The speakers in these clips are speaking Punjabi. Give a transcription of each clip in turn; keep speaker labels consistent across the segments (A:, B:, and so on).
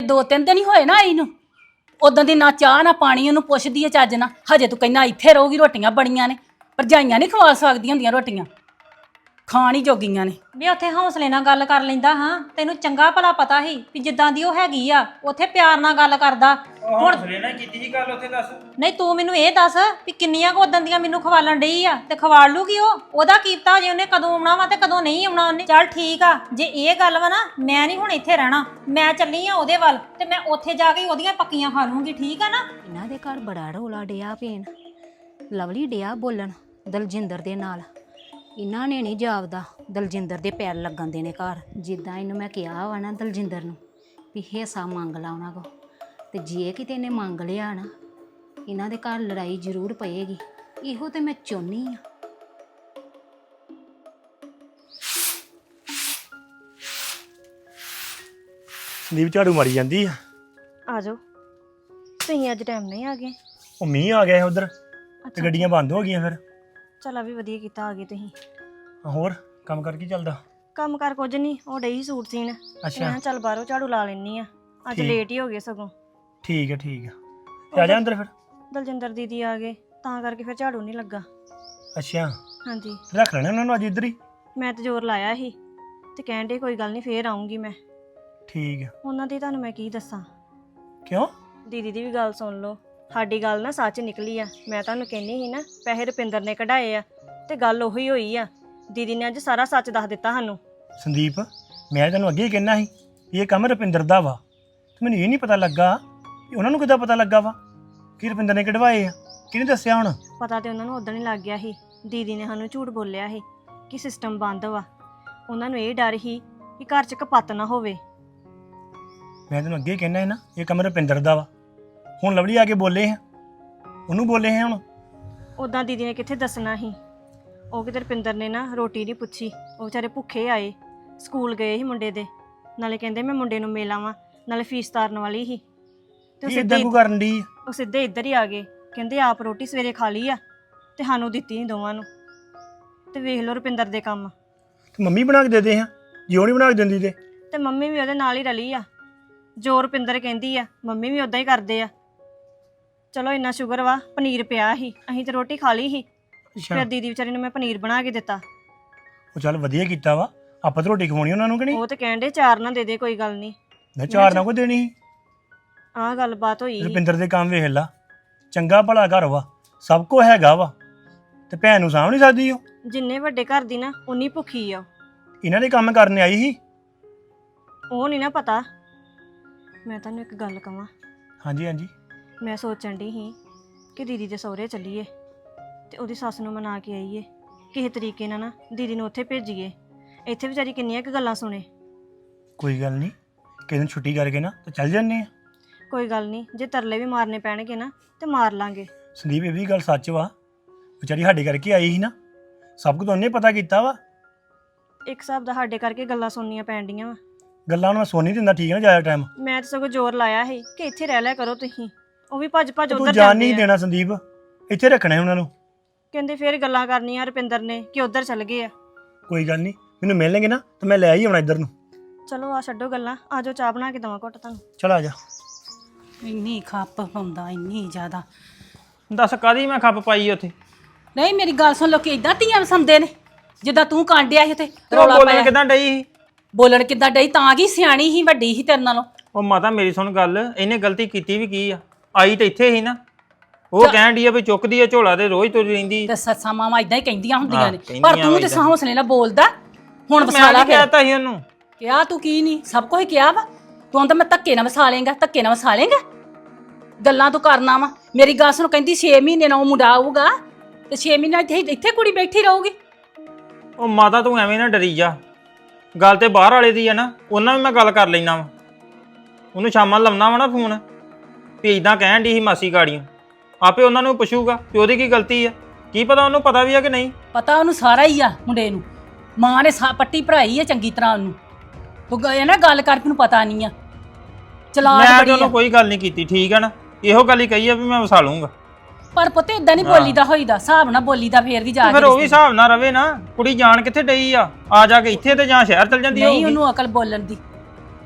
A: 2-3 ਦਿਨ ਹੀ ਹੋਏ ਨਾ ਆਈ ਨੂੰ। ਉਦੋਂ ਦੀ ਨਾ ਚਾਹ ਨਾ ਪਾਣੀ ਉਹਨੂੰ ਪੁੱਛਦੀ ਐ ਚੱਜ ਨਾ। ਹਜੇ ਤੂੰ ਕਹਿੰਦਾ ਇੱਥੇ ਰਹੂਗੀ, ਰੋਟੀਆਂ ਬੜੀਆਂ ਨੇ। ਭਰਜਾਈਆਂ ਨਹੀਂ ਖਵਾ ਸਕਦੀਆਂ ਹੁੰਦੀਆਂ ਰੋਟੀਆਂ, ਖਾਣ ਹੀ ਜੋਗੀਆਂ ਨੇ।
B: ਵੀ ਉੱਥੇ ਹੌਸਲੇ ਨਾਲ ਗੱਲ ਕਰ ਲੈਂਦਾ ਹਾਂ। ਤੈਨੂੰ ਚੰਗਾ ਭਲਾ ਪਤਾ ਸੀ ਵੀ ਜਿੱਦਾਂ ਦੀ ਉਹ ਹੈਗੀ ਆ ਉੱਥੇ ਪਿਆਰ ਨਾਲ ਗੱਲ ਕਰਦਾ।
C: ਹੁਣ ਹੌਸਲੇ ਨਾਲ ਕੀਤੀ ਸੀ ਗੱਲ ਉੱਥੇ ਦੱਸ।
B: ਨਹੀਂ ਤੂੰ ਮੈਨੂੰ ਇਹ ਦੱਸ ਵੀ ਕਿੰਨੀਆਂ ਕੁ ਉਦਾਂ ਦੀਆਂ ਮੈਨੂੰ ਖਵਾਲਣ ਡਈ ਆ ਤੇ ਖਵਾਲ ਲੂਗੀ ਉਹਦਾ ਕੀਪਤਾ ਜੇ ਉਹਨੇ ਕਦੋਂ ਆਉਣਾ ਵਾ ਤੇ ਕਦੋਂ ਨਹੀਂ ਆਉਣਾ ਉਹਨੇ। ਚੱਲ ਠੀਕ ਆ, ਜੇ ਇਹ ਗੱਲ ਵਾ ਨਾ ਮੈਂ ਨਹੀਂ ਹੁਣ ਇੱਥੇ ਰਹਿਣਾ। ਮੈਂ ਚੱਲੀ ਆ ਉਹਦੇ ਵੱਲ ਤੇ ਮੈਂ ਉੱਥੇ ਜਾ ਕੇ ਉਹਦੀਆਂ ਪੱਕੀਆਂ ਖਾ ਲੂੰਗੀ। ਠੀਕ ਆ ਨਾ।
D: ਇਹਨਾਂ ਦੇ ਘਰ ਬੜਾ ਰੌਲਾ ਡਿਆ ਪੈਣ। ਲਵਲੀ ਡਿਆ ਬੋਲਣ ਦਲਜਿੰਦਰ ਦੇ ਨਾਲ। ਇਹਨਾਂ ਨੇ ਨਹੀਂ ਜਾਪਦਾ ਦਲਜਿੰਦਰ ਦੇ ਪੈਰ ਲੱਗਣ ਦੇਣੇ ਘਰ। ਜਿੱਦਾਂ ਇਹਨੂੰ ਮੈਂ ਕਿਹਾ ਵਾ ਨਾ ਦਲਜਿੰਦਰ ਨੂੰ ਵੀ ਹਿੱਸਾ ਮੰਗ ਲਾ ਉਹਨਾਂ ਕੋ, ਤੇ ਜੇ ਕਿਤੇ ਇਹਨੇ ਮੰਗ ਲਿਆ ਨਾ ਇਹਨਾਂ ਦੇ ਘਰ ਲੜਾਈ ਜ਼ਰੂਰ ਪਏਗੀ। ਇਹੋ ਤੇ ਮੈਂ ਚਾਹੁੰਦੀ ਆ।
E: ਸੰਦੀਪ ਝਾੜੂ ਮਾਰੀ ਜਾਂਦੀ ਆ।
F: ਆ ਜਾਓ ਤੁਸੀਂ ਅੱਜ ਟਾਈਮ ਨਹੀਂ ਆ ਗਏ।
E: ਉਹ ਮੀਂਹ ਆ ਗਿਆ ਉਧਰ ਤੇ ਗੱਡੀਆਂ ਬੰਦ ਹੋ ਗਈਆਂ। ਫਿਰ
F: ਚਲ ਆ ਵੀ ਵਧੀਆ ਕੀਤਾ ਆ ਗਏ ਤੁਸੀਂ।
E: ਹੋਰ ਕੰਮ ਕਰ ਕੀ ਚੱਲਦਾ?
F: ਕੰਮ ਕਰ ਕੁਝ ਨਹੀਂ, ਉਹ ਡਈ ਸੂਟ ਸੀਨ।
E: ਅੱਛਾ
F: ਮੈਂ ਚੱਲ ਬਾਹਰੋਂ ਝਾੜੂ ਲਾ ਲੈਣੀ ਆ, ਅੱਜ
E: ਠੀਕ।
F: ਲੇਟ ਹੀ ਹੋ ਗਏ ਸਗੋਂ।
E: ਠੀਕ ਹੈ ਠੀਕ ਹੈ, ਤੇ ਆ ਜਾ ਅੰਦਰ ਫਿਰ।
F: ਦਲਜਿੰਦਰ ਦੀਦੀ ਆ ਗਏ ਤਾਂ ਕਰਕੇ ਫਿਰ ਝਾੜੂ ਨਹੀਂ ਲੱਗਾ।
E: ਅੱਛਾ
F: ਹਾਂਜੀ
E: ਰੱਖ ਲੈਣਾ ਉਹਨਾਂ ਨੂੰ ਅੱਜ ਇੱਧਰ ਹੀ।
F: ਮੈਂ ਤੇ ਜ਼ੋਰ ਲਾਇਆ ਸੀ ਤੇ ਕਹਿਣ ਡੇ ਕੋਈ ਗੱਲ ਨਹੀਂ ਫੇਰ ਆਉਂਗੀ ਮੈਂ।
E: ਠੀਕ ਹੈ।
F: ਉਹਨਾਂ ਦੀ ਤੁਹਾਨੂੰ ਮੈਂ ਕੀ ਦੱਸਾਂ।
E: ਕਿਉਂ?
F: ਦੀਦੀ ਦੀ ਵੀ ਗੱਲ ਸੁਣ ਲਓ। ਸਾਡੀ ਗੱਲ ਨਾ ਸੱਚ ਨਿਕਲੀ ਆ। ਮੈਂ ਤੁਹਾਨੂੰ ਕਹਿੰਦੀ ਸੀ ਨਾ ਪੈਸੇ ਰੁਪਿੰਦਰ ਨੇ ਕਢਾਏ ਆ ਤੇ ਗੱਲ ਉਹੀ ਹੋਈ ਆ। ਦੀਦੀ ਨੇ ਅੱਜ ਸਾਰਾ ਸੱਚ ਦੱਸ ਦਿੱਤਾ ਸਾਨੂੰ।
E: ਸੰਦੀਪ ਮੈਂ ਤੈਨੂੰ ਅੱਗੇ ਹੀ ਕਹਿਣਾ ਸੀ ਇਹ ਕੰਮ ਰੁਪਿੰਦਰ ਦਾ ਵਾ, ਤੇ ਮੈਨੂੰ ਇਹ ਨਹੀਂ ਪਤਾ ਲੱਗਾ ਕਿ ਉਹਨਾਂ ਨੂੰ ਕਿੱਦਾਂ ਪਤਾ ਲੱਗਾ ਵਾ ਕਿ ਰੁਪਿੰਦਰ ਨੇ ਕਢਵਾਏ ਆ। ਕਿਹਨੇ ਦੱਸਿਆ ਹੁਣ?
F: ਪਤਾ ਤੇ ਉਹਨਾਂ ਨੂੰ ਉਦੋਂ ਹੀ ਲੱਗ ਗਿਆ ਸੀ। ਦੀਦੀ ਨੇ ਸਾਨੂੰ ਝੂਠ ਬੋਲਿਆ ਸੀ ਕਿ ਸਿਸਟਮ ਬੰਦ ਵਾ। ਉਹਨਾਂ ਨੂੰ ਇਹ ਡਰ ਸੀ ਕਿ ਘਰ 'ਚ ਕਪੱਤ ਨਾ ਹੋਵੇ।
E: ਮੈਂ ਤੈਨੂੰ ਅੱਗੇ ਹੀ ਕਹਿਣਾ ਹੈ ਨਾ ਇਹ ਕੰਮ ਰੁਪਿੰਦਰ ਦਾ ਵਾ। ਹੁਣ ਲਵਲੀ ਆ ਕੇ ਬੋਲੇ ਆ, ਉਹਨੂੰ ਬੋਲੇ ਆ ਹੁਣ।
F: ਉਦਾਂ ਦੀਦੀ ਨੇ ਕਿੱਥੇ ਦੱਸਣਾ ਸੀ। ਉਹ ਕਿਤੇ ਰੁਪਿੰਦਰ ਨੇ ਨਾ ਰੋਟੀ ਨਹੀਂ ਪੁੱਛੀ। ਉਹ ਵਿਚਾਰੇ ਭੁੱਖੇ ਆਏ, ਸਕੂਲ ਗਏ ਸੀ ਮੁੰਡੇ ਦੇ। ਨਾਲੇ ਕਹਿੰਦੇ ਮੈਂ ਮੁੰਡੇ ਨੂੰ ਮਿਲ ਆਵਾਂ, ਨਾਲੇ ਫੀਸ ਤਾਰਨ ਵਾਲੀ ਸੀ। ਤੇ ਉਹ
E: ਇਦਾਂ ਕੋ ਕਰਨ ਦੀ
F: ਉਹ ਸਿੱਧੇ ਇੱਧਰ ਹੀ ਆ ਗਏ। ਕਹਿੰਦੇ ਆਪ ਰੋਟੀ ਸਵੇਰੇ ਖਾ ਲਈ ਆ ਤੇ ਸਾਨੂੰ ਦਿੱਤੀ ਨਹੀਂ ਦੋਵਾਂ ਨੂੰ। ਤੇ ਵੇਖ ਲਓ ਰੁਪਿੰਦਰ ਦੇ ਕੰਮ।
E: ਤੇ ਮੰਮੀ ਬਣਾ ਕੇ ਦੇ ਦੇ ਆ, ਜੇ ਉਹ ਨਹੀਂ ਬਣਾ ਕੇ ਦਿੰਦੀ
F: ਤੇ ਮੰਮੀ ਵੀ ਉਹਦੇ ਨਾਲ ਹੀ ਰਲੀ ਆ। ਜੋ ਰੁਪਿੰਦਰ ਕਹਿੰਦੀ ਆ ਮੰਮੀ ਵੀ ਉਦਾਂ ਹੀ ਕਰਦੇ ਆ। ਚਲੋ ਇੰਨਾ ਸ਼ੁਕਰ ਵਾ ਪਨੀਰ ਪਿਆ ਸੀ, ਅਸੀਂ ਤੇ ਰੋਟੀ ਖਾ ਲਈ ਸੀ। ਫਿਰ ਦੀਦੀ ਵਿਚਾਰੀ ਨੂੰ ਮੈਂ ਪਨੀਰ ਬਣਾ ਕੇ ਦਿੱਤਾ।
E: ਉਹ ਚੱਲ ਵਧੀਆ ਕੀਤਾ ਵਾ, ਆਪਾਂ ਤਾਂ ਰੋਟੀ ਖਵਾਉਣੀ ਉਹਨਾਂ ਨੂੰ ਕਿ ਨਹੀਂ?
F: ਉਹ ਤੇ ਕਹਿੰਦੇ ਚਾਰ ਨਾ ਦੇ ਦੇ ਕੋਈ ਗੱਲ ਨਹੀਂ।
E: ਮੈਂ ਚਾਰ ਨਾ ਕੋ ਦੇਣੀ ਸੀ।
F: ਆਹ ਗੱਲਬਾਤ ਹੋਈ।
E: ਰੁਪਿੰਦਰ ਦੇ ਕੰਮ ਵੇਖ ਲਾ, ਚੰਗਾ ਭਲਾ ਘਰ ਵਾ, ਸਭ ਕੁਝ ਹੈਗਾ ਵਾ, ਤੇ ਭੈਣ ਨੂੰ ਸਾਂਭ ਨਹੀਂ ਸਕਦੀ ਉਹ।
F: ਜਿੰਨੇ ਵੱਡੇ ਘਰ ਦੀ ਨਾ ਉਨੀ ਭੁੱਖੀ ਆ।
E: ਇਹਨਾਂ ਦੇ ਕੰਮ ਕਰਨ ਆਈ ਸੀ।
F: ਉਹ ਨਹੀਂ ਨਾ ਪਤਾ। ਮੈਂ ਤੁਹਾਨੂੰ ਇੱਕ ਗੱਲ ਕਵਾਂ।
E: ਹਾਂਜੀ ਹਾਂਜੀ।
F: ਮੈਂ ਸੋਚਣ ਡਈ ਸੀ ਕਿ ਦੀਦੀ ਦੇ ਸਹੁਰੇ ਚੱਲੀਏ ਤੇ ਉਹਦੀ ਸੱਸ ਨੂੰ ਮਨਾ ਕੇ ਆਈਏ ਕਿਸੇ ਤਰੀਕੇ ਨਾਲ ਨਾ ਦੀਦੀ ਨੂੰ ਉੱਥੇ ਭੇਜੀਏ। ਇੱਥੇ ਵਿਚਾਰੀ ਕਿੰਨੀਆਂ ਕੁ ਗੱਲਾਂ ਸੁਣੇ।
E: ਕੋਈ ਗੱਲ ਨਹੀਂ, ਕਿਸੇ ਦਿਨ ਛੁੱਟੀ ਕਰਕੇ ਨਾ ਤੇ ਚੱਲ ਜੰਨੇ ਆ।
F: ਕੋਈ ਗੱਲ ਨਹੀਂ, ਜੇ ਤਰਲੇ ਵੀ ਮਾਰਨੇ ਪੈਣਗੇ ਨਾ ਤੇ ਮਾਰ ਲਾਂਗੇ।
E: ਸੰਦੀਪ ਇਹ ਵੀ ਗੱਲ ਸੱਚ ਵਾ, ਵਿਚਾਰੀ ਸਾਡੇ ਕਰਕੇ ਆਈ ਸੀ ਨਾ, ਸਭ ਕੁਝ ਉਹਨੇ ਪਤਾ ਕੀਤਾ ਵਾ।
F: ਇੱਕ ਹਿਸਾਬ ਦਾ ਸਾਡੇ ਕਰਕੇ ਗੱਲਾਂ ਸੁਣਨੀਆਂ ਪੈਣਡੀਆਂ ਵਾ।
E: ਗੱਲਾਂ ਨੂੰ ਮੈਂ ਸੁਣ ਨਹੀਂ ਦਿੰਦਾ, ਠੀਕ ਹੈ ਨਾ? ਜ਼ਿਆਦਾ ਟਾਈਮ
F: ਮੈਂ ਤਾਂ ਸਗੋਂ ਜ਼ੋਰ ਲਾਇਆ ਸੀ ਕਿ ਇੱਥੇ ਰਹਿ ਲਿਆ ਕਰੋ ਤੁਸੀਂ। ਉਹ ਵੀ ਭੱਜ ਭੱਜ
E: ਤੂੰ
F: ਉਧਰ
E: ਜਾਣ
F: ਜਾਂਦੇ
E: ਨਹੀਂ
F: ਆ।
E: ਦੇਣਾ ਸੰਦੀਪ, ਇੱਥੇ ਰੱਖਣਾ ਉਹਨਾਂ ਨੂੰ।
F: ਕਹਿੰਦੇ ਫੇਰ ਗੱਲਾਂ ਕਰਨੀਆਂ ਰੁਪਿੰਦਰ ਨੇ ਕਿ ਉਧਰ ਚੱਲ ਗਏ ਆ।
E: ਕੋਈ ਗੱਲ ਨਹੀਂ, ਮੈਨੂੰ ਮਿਲਣਗੇ ਨਾ ਤਾਂ ਮੈਂ ਲੈ ਹੀ ਆਉਣਾ ਇੱਧਰ ਨੂੰ।
F: ਚਲੋ ਆ ਛੱਡੋ ਗੱਲਾਂ, ਆ ਜਾਓ ਚਾਹ ਬਣਾ ਕੇ ਦਵਾਂ ਘੁੱਟ ਤੁਹਾਨੂੰ।
E: ਚਲ ਆ ਜਾ।
A: ਇੰਨੀ ਖੱਪ ਪਾਉਂਦਾ, ਇੰਨੀ ਜ਼ਿਆਦਾ।
C: ਦੱਸ ਕਾਦੀ ਮੈਂ ਖੱਪ ਪਾਈ ਉੱਥੇ?
A: ਨਹੀਂ ਮੇਰੀ ਗੱਲ ਸੁਣ, ਲੋਕੀ ਇਦਾਂ ਧੀਆਂ ਵਸਾਉਂਦੇ ਨੇ ਜਿੱਦਾਂ ਤੂੰ ਕਾਂਡਿਆ ਸੀ ਉੱਥੇ
C: ਉਹ
A: ਰੌਲਾ
C: ਬੋਲਣ
A: ਪਾਇਆ।
C: ਕਿਦਾਂ ਡਈ ਸੀ?
A: ਬੋਲਣ ਕਿੱਦਾਂ ਡਈ? ਤਾਂ ਕੀ ਸਿਆਣੀ ਸੀ, ਵੱਡੀ ਸੀ ਤੇਰੇ ਨਾਲੋਂ।
C: ਉਹ ਮਾਤਾ ਮੇਰੀ ਸੁਣ ਗੱਲ, ਇਹਨੇ ਗਲਤੀ ਕੀਤੀ ਵੀ ਕੀ ਆ? ਆਈ ਤਾਂ ਇੱਥੇ ਸੀ ਨਾ। ਉਹ ਕਹਿਣ ਡਈ ਆ ਵੀ ਚੁੱਕਦੀ ਆ ਝੋਲਾ ਤੇ ਰੋਜ਼ ਤੁਰੀ ਰਹਿੰਦੀ।
A: ਤੇ ਸੱਸਾਂ ਮਾਵਾਂ ਇਦਾਂ ਹੀ ਕਹਿੰਦੀਆਂ ਹੁੰਦੀਆਂ
C: ਹਾਂ,
A: ਨੇ,
C: ਕਹਿੰਦੀਆਂ
A: ਪਰ ਤੂੰ ਤੇ
C: ਏਦਾਂ।
A: ਹੌਸਲੇ ਨਾਲ ਬੋਲਦਾ। ਹੁਣ
C: ਮੈਂ
A: ਵਸਾਲਾ
C: ਕੀ ਕਹਿਤਾ ਸੀ ਉਹਨੂੰ?
A: ਕਿਹਾ ਤੂੰ ਕੀ ਨਹੀਂ, ਸਭ ਕੁਝ ਕਿਹਾ ਵਾ। ਤੂੰ ਤਾਂ ਮੈਂ ਧੱਕੇ ਨਾਲ ਵਸਾ ਲੇਂਗਾ, ਧੱਕੇ ਨਾਲ ਵਸਾ ਲੇਂਗਾ। ਗੱਲਾਂ ਤੂੰ ਕਰਨਾ ਵਾ। ਮੇਰੀ ਗੱਲ ਸੁਣ, ਕਹਿੰਦੀ 6 ਮਹੀਨੇ ਨਾਲ ਉਹ ਮੁੰਡਾ ਆਊਗਾ ਤੇ 6 ਮਹੀਨੇ ਇੱਥੇ ਕੁੜੀ ਬੈਠੀ ਰਹੂਗੀ।
C: ਉਹ ਮਾਤਾ ਤੂੰ ਐਵੇਂ ਨਾ ਡਰੀ ਜਾ। ਗੱਲ ਤੇ ਬਾਹਰ ਵਾਲੇ ਦੀ ਆ ਨਾ, ਉਹਨਾਂ ਵੀ ਮੈਂ ਗੱਲ ਕਰ ਲੈਣਾ ਵਾ। ਉਹਨੂੰ ਸ਼ਾਮਾਂ ਲਾਉਣਾ ਵਾ ਨਾ ਫੋਨ ਵੀ ਇਦਾਂ ਕਹਿਣ ਡਈ ਸੀ ਮਾਸੀ ਗਾੜੀਆਂ। ਆਪੇ ਉਹਨਾਂ ਨੂੰ ਪੁੱਛੂਗਾ ਕਿ ਉਹਦੀ ਕੀ ਗਲਤੀ ਆ। ਕੀ ਪਤਾ ਉਹਨੂੰ ਪਤਾ ਵੀ ਆ ਕਿ ਨਹੀਂ।
A: ਪਤਾ ਉਹਨੂੰ ਸਾਰਾ ਹੀ ਆ ਮੁੰਡੇ ਨੂੰ। ਮਾਂ ਨੇ ਪੱਟੀ ਭਰਾਈ ਆ ਚੰਗੀ ਤਰ੍ਹਾਂ ਉਹਨੂੰ। ਤੂੰ ਇਹ ਨਾ ਗੱਲ ਕਰਕੇ ਨੂੰ ਪਤਾ ਨਹੀਂ ਆ। ਚਲਾਕ
C: ਮੈਂ
A: ਬੜੀ
C: ਉਹਨੂੰ
A: ਆ।
C: ਕੋਈ ਗੱਲ ਨਹੀਂ ਕੀਤੀ, ਠੀਕ ਆ ਨਾ? ਇਹੋ ਗੱਲ ਹੀ ਕਹੀ ਆ ਵੀ ਮੈਂ ਵਸਾ ਲੂੰਗਾ।
A: ਪਰ ਪੁੱਤ ਇਦਾਂ ਨਹੀਂ ਬੋਲੀਦਾ ਹੋਈਦਾ, ਹਿਸਾਬ ਨਾਲ ਬੋਲੀਦਾ ਫੇਰ ਵੀ ਜਾ
C: ਫਿਰ
A: ਕੇ
C: ਉਹ ਵੀ ਹਿਸਾਬ ਨਾਲ ਰਵੇ ਨਾ। ਕੁੜੀ ਜਾਣ ਕਿੱਥੇ ਡਈ ਆ? ਆ ਜਾ ਕੇ ਇੱਥੇ ਤੇ ਜਾਂ ਸ਼ਹਿਰ ਚਲ ਜਾਂਦੀ
A: ਨਹੀਂ
C: ਹੋਊਗੀ।
A: ਉਹਨੂੰ ਅਕਲ ਬੋਲਣ ਦੀ।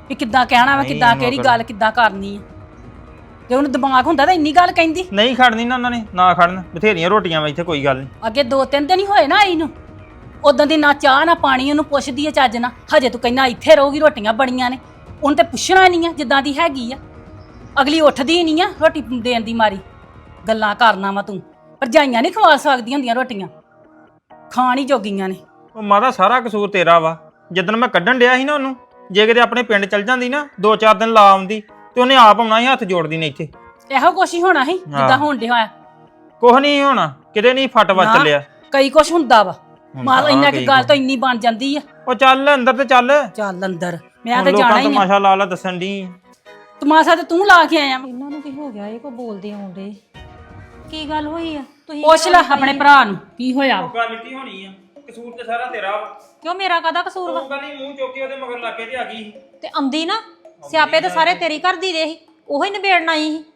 A: ਵੀ ਕਿੱਦਾਂ ਕਹਿਣਾ ਵਾ,
C: ਨਹੀਂ,
A: ਕਿੱਦਾਂ
C: ਉਹਨੂੰ
A: ਕਿਹੜੀ
C: ਅਕਲ-
A: ਗੱਲ ਕਿੱਦਾਂ ਕਰਨੀ ਆ। ਜੇ ਉਹਨੂੰ ਦਿਮਾਗ ਹੁੰਦਾ ਤਾਂ ਇੰਨੀ ਗੱਲ ਕਹਿੰਦੀ।
C: ਨਹੀਂ ਖੜਨੀ ਨਾ ਉਹਨਾਂ ਨੇ, ਨਾ ਖੜਨ, ਬਥੇਰੀਆਂ ਰੋਟੀਆਂ ਵਾ ਇੱਥੇ, ਕੋਈ ਗੱਲ ਨਹੀਂ।
A: ਅੱਗੇ 2-3 ਦਿਨ ਹੀ ਹੋਏ ਨਾ ਆਈ ਨੂੰ, ਉਦੋਂ ਦੀ ਨਾ ਚਾਹ ਨਾ ਪਾਣੀ ਉਹਨੂੰ ਪੁੱਛਦੀ ਆ ਚੱਜ ਨਾ। ਹਜੇ ਤੂੰ ਕਹਿੰਦਾ ਇੱਥੇ ਰਹੂਗੀ, ਰੋਟੀਆਂ ਬੜੀਆਂ ਨੇ। ਉਹਨੂੰ ਤੇ ਪੁੱਛਣਾ ਨਹੀਂ ਆ ਜਿੱਦਾਂ ਦੀ ਹੈਗੀ ਆ। ਅਗਲੀ ਉੱਠਦੀ ਨਹੀਂ ਆ ਰੋਟੀ ਦੇਣ ਦੀ ਮਾਰੀ। ਗੱਲਾਂ ਕਰਨਾ ਵਾ ਤੂੰ। ਭਰਜਾਈਆਂ ਨਹੀਂ ਖਵਾ ਸਕਦੀਆਂ ਹੁੰਦੀਆਂ ਰੋਟੀਆਂ, ਖਾਣ ਹੀ ਜੋਗੀਆਂ ਨੇ।
C: ਉਹ ਮਾਤਾ ਸਾਰਾ ਕਸੂਰ ਤੇਰਾ ਵਾ। ਜਿੱਦਣ ਮੈਂ ਕੱਢਣ ਡਿਆ ਸੀ ਨਾ ਉਹਨੂੰ, ਜੇ ਕਿਤੇ ਆਪਣੇ ਪਿੰਡ ਚੱਲ ਜਾਂਦੀ ਨਾ 2-4 ਦਿਨ ਲਾ ਆਉਂਦੀ ਤੇ ਉਹਨੇ ਆਪ ਆਉਣਾ ਸੀ ਹੱਥ ਜੋੜਦੀ ਨੇ ਇੱਥੇ।
A: ਇਹੋ ਕੁਛ ਹੀ ਹੋਣਾ ਸੀ ਜਿੱਦਾਂ ਹੋਣ ਡਿਆ ਹੋਇਆ।
C: ਕੁਛ ਨਹੀਂ ਹੋਣਾ, ਕਿਤੇ ਨਹੀਂ ਫਟ ਵੱਜ
A: ਨਾ।
C: ਚੱਲਿਆ।
A: ਕਈ ਕੁਛ ਹੁੰਦਾ ਵਾ, ਮਾਲ
C: ਹਾਂ,
A: ਇੰਨਾ
C: ਕਈ
A: ਕਿ ਗੱਲ
C: ਕੁਛ।
A: ਤਾਂ ਇੰਨੀ ਬਣ ਜਾਂਦੀ ਆ।
C: ਉਹ ਚੱਲ ਅੰਦਰ ਤੇ ਚੱਲ।
A: ਚੱਲ ਅੰਦਰ, ਮੈਂ
C: ਹੁਣ
A: ਤਾਂ
C: ਲੋਕਾਂ
A: ਜਾਣਾ ਹੀ ਆ।
C: ਤਮਾਸ਼ਾ ਲਾ ਲਾ ਦੱਸਣ ਦੀ।
A: ਤਮਾਸ਼ਾ ਤੇ ਤੂੰ ਲਾ ਕੇ ਆਇਆ ਵਾ।
B: ਇਹਨਾਂ ਨੂੰ ਕੀ ਹੋ ਗਿਆ? ਇਹ ਕੋ ਬੋਲਦੇ ਆਉਂਦੇ ਕੀ ਗੱਲ ਹੋਈ ਆ? ਤੁਸੀਂ
A: ਪੁੱਛ ਲੈ ਆਪਣੇ ਭਰਾ ਨੂੰ ਕੀ ਹੋਇਆ ਵਾ।
C: ਗੱਲ ਕੀ ਹੋਣੀ ਆ? ਕਸੂਰ ਤੇ ਸਾਰਾ ਤੇਰਾ ਵਾ।
B: ਕਿਉਂ ਮੇਰਾ ਕਾਹਦਾ ਕਸੂਰ ਵਾ?
C: ਤੂੰ ਕਹਿੰਦੀ ਮੂੰਹ ਚੁੱਕ ਕੇ ਉਹਦੇ ਮਗਰ ਲੱਗ ਕੇ ਤੇ ਆ ਗਈ।
B: ਤੇ ਆਉਂਦੀ ਨਾ, ਸਿਆਪੇ ਤੇ ਸਾਰੇ ਤੇਰੀ ਘਰ ਦੀ ਦੇ ਸੀ, ਉਹੀ ਨਿਬੇੜਨ ਆਈ ਸੀ।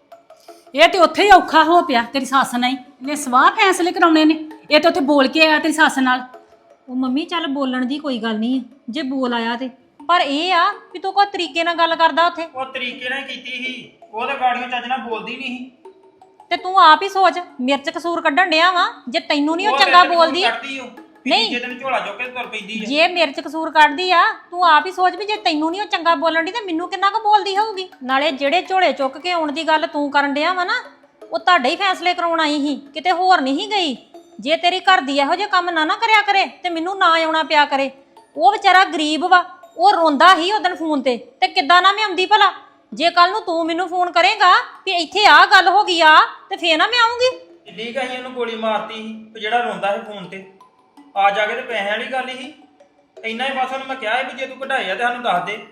A: ਇਹ ਤੇ ਉੱਥੇ ਹੀ ਔਖਾ ਹੋ ਪਿਆ ਤੇਰੀ ਸੱਸ ਨਾਲ ਹੀ। ਇਹਨੇ ਸਵਾਹ ਫੈਸਲੇ ਕਰਾਉਣੇ ਨੇ। ਇਹ ਤੇ ਉੱਥੇ ਬੋਲ ਕੇ ਆਇਆ ਤੇਰੀ ਸੱਸ ਨਾਲ।
B: ਉਹ ਮੰਮੀ ਚੱਲ ਬੋਲਣ ਦੀ ਕੋਈ ਗੱਲ ਨਹੀਂ ਜੇ ਬੋਲ ਆਇਆ ਤੇ, ਪਰ ਇਹ ਆ ਵੀ ਤੂੰ ਕੋਈ ਤਰੀਕੇ ਨਾਲ ਗੱਲ ਕਰਦਾ ਉੱਥੇ।
C: ਉਹ ਤਰੀਕੇ ਨਾਲ ਹੀ ਕੀਤੀ ਸੀ, ਉਹ ਤਾਂ ਗਾੜੀਆਂ ਚੱਜ ਨਾਲ ਬੋਲਦੀ ਨਹੀਂ ਸੀ।
B: ਤੇ ਤੂੰ ਆਪ ਹੀ ਸੋਚ, ਮਿਰਚ ਕਸੂਰ ਕੱਢਣ ਡਿਆ ਵਾ। ਜੇ ਤੈਨੂੰ ਨਹੀਂ ਉਹ ਚੰਗਾ ਬੋਲਦੀ, ਨਹੀਂ।
C: ਜੇ ਤੈਨੂੰ ਝੋਲਾ ਚੁੱਕ ਕੇ ਤੁਰ ਪੈਂਦੀ ਆ।
B: ਜੇ ਮਿਰਚ ਕਸੂਰ ਕੱਢਦੀ ਆ, ਤੂੰ ਆਪ ਹੀ ਸੋਚ ਵੀ ਜੇ ਤੈਨੂੰ ਨਹੀਂ ਉਹ ਚੰਗਾ ਬੋਲਣ ਦੀ ਤੇ ਮੈਨੂੰ ਕਿੰਨਾ ਕੁ ਬੋਲਦੀ ਹੋਊਗੀ। ਨਾਲੇ ਜਿਹੜੇ ਝੋਲੇ ਚੁੱਕ ਕੇ ਆਉਣ ਦੀ ਗੱਲ ਤੂੰ ਕਰਨ ਡਿਆ ਵਾ ਨਾ, ਉਹ ਤੁਹਾਡੇ ਹੀ ਫੈਸਲੇ ਕਰਾਉਣ ਆਈ ਸੀ, ਕਿਤੇ ਹੋਰ ਨਹੀਂ ਗਈ। ਜੇ ਤੇਰੀ ਘਰ ਦੀ ਇਹੋ ਜਿਹੇ ਕੰਮ ਨਾ ਕਰਿਆ ਕਰੇ ਤੇ ਮੈਨੂੰ ਨਾ ਆਉਣਾ ਪਿਆ ਕਰੇ। ਉਹ ਵਿਚਾਰਾ ਗਰੀਬ ਵਾ, ਉਹ ਰੋਂਦਾ ਹੀ ਉਦੋਂ ਫੋਨ ਤੇ ਕਿੱਦਾਂ ਨਾ ਮੈਂ ਆਉਂਦੀ ਭਲਾ। ਜੇ ਕੱਲ ਨੂੰ ਤੂੰ ਮੈਨੂੰ ਫੋਨ ਕਰੇਗਾ ਵੀ ਇੱਥੇ ਆ ਗੱਲ ਹੋ ਗਈ ਆ, ਤੇ ਫੇਰ ਨਾ ਮੈਂ ਆਉਂਗੀ।
C: ਕਿੱਡੀ ਕਹੀ ਉਹਨੂੰ ਗੋਲੀ ਮਾਰਤੀ ਸੀ ਤੇ ਜਿਹੜਾ ਰੋਂਦਾ ਸੀ ਫੋਨ ਤੇ ਆ ਜਾ ਕੇ ਤੇ ਪੈਸਿਆਂ ਵਾਲੀ ਗੱਲ ਸੀ। ਇੰਨਾ ਹੀ ਬਸ ਉਹਨੂੰ ਮੈਂ ਕਿਹਾ ਸੀ ਵੀ ਜੇ ਤੂੰ ਕਢਾਏ ਆ ਤੇ ਸਾਨੂੰ ਦੱਸ ਦੇ।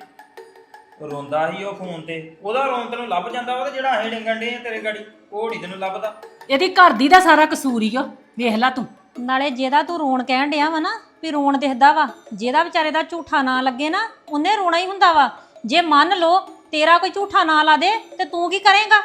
C: ਰੋਂਦਾ ਸੀ ਉਹ ਫੋਨ ਤੇ, ਉਹਦਾ ਰੋਣ ਤੈਨੂੰ ਲੱਭ ਜਾਂਦਾ ਵਾ, ਤੇ ਜਿਹੜਾ ਅਸੀਂ ਡਿੰਗਣ ਡੇ ਆ ਤੇਰੇ ਗਾੜੀ ਉਹ ਨੀ ਤੈਨੂੰ ਲੱਭਦਾ।
A: ਇਹਦੀ ਘਰ ਦੀ ਦਾ ਸਾਰਾ ਕਸੂਰ ਹੀ ਆ, ਵੇਖ ਲੈ ਤੂੰ।
B: ਨਾਲੇ ਜਿਹਦਾ ਤੂੰ ਰੋਣ ਕਹਿਣ ਡਿਆ ਵਾ ਨਾ, ਵੀ ਰੋਣ ਦਿਖਦਾ ਵਾ, ਜਿਹਦਾ ਵਿਚਾਰੇ ਦਾ ਝੂਠਾ ਨਾਂ ਲੱਗੇ ਨਾ, ਉਹਨੇ ਰੋਣਾ ਹੀ ਹੁੰਦਾ ਵਾ। ਜੇ ਮੰਨ ਲਓ ਤੇਰਾ ਕੋਈ ਝੂਠਾ ਨਾਂ ਲਾ ਦੇ ਤੇ ਤੂੰ ਕੀ ਕਰੇਂਗਾ?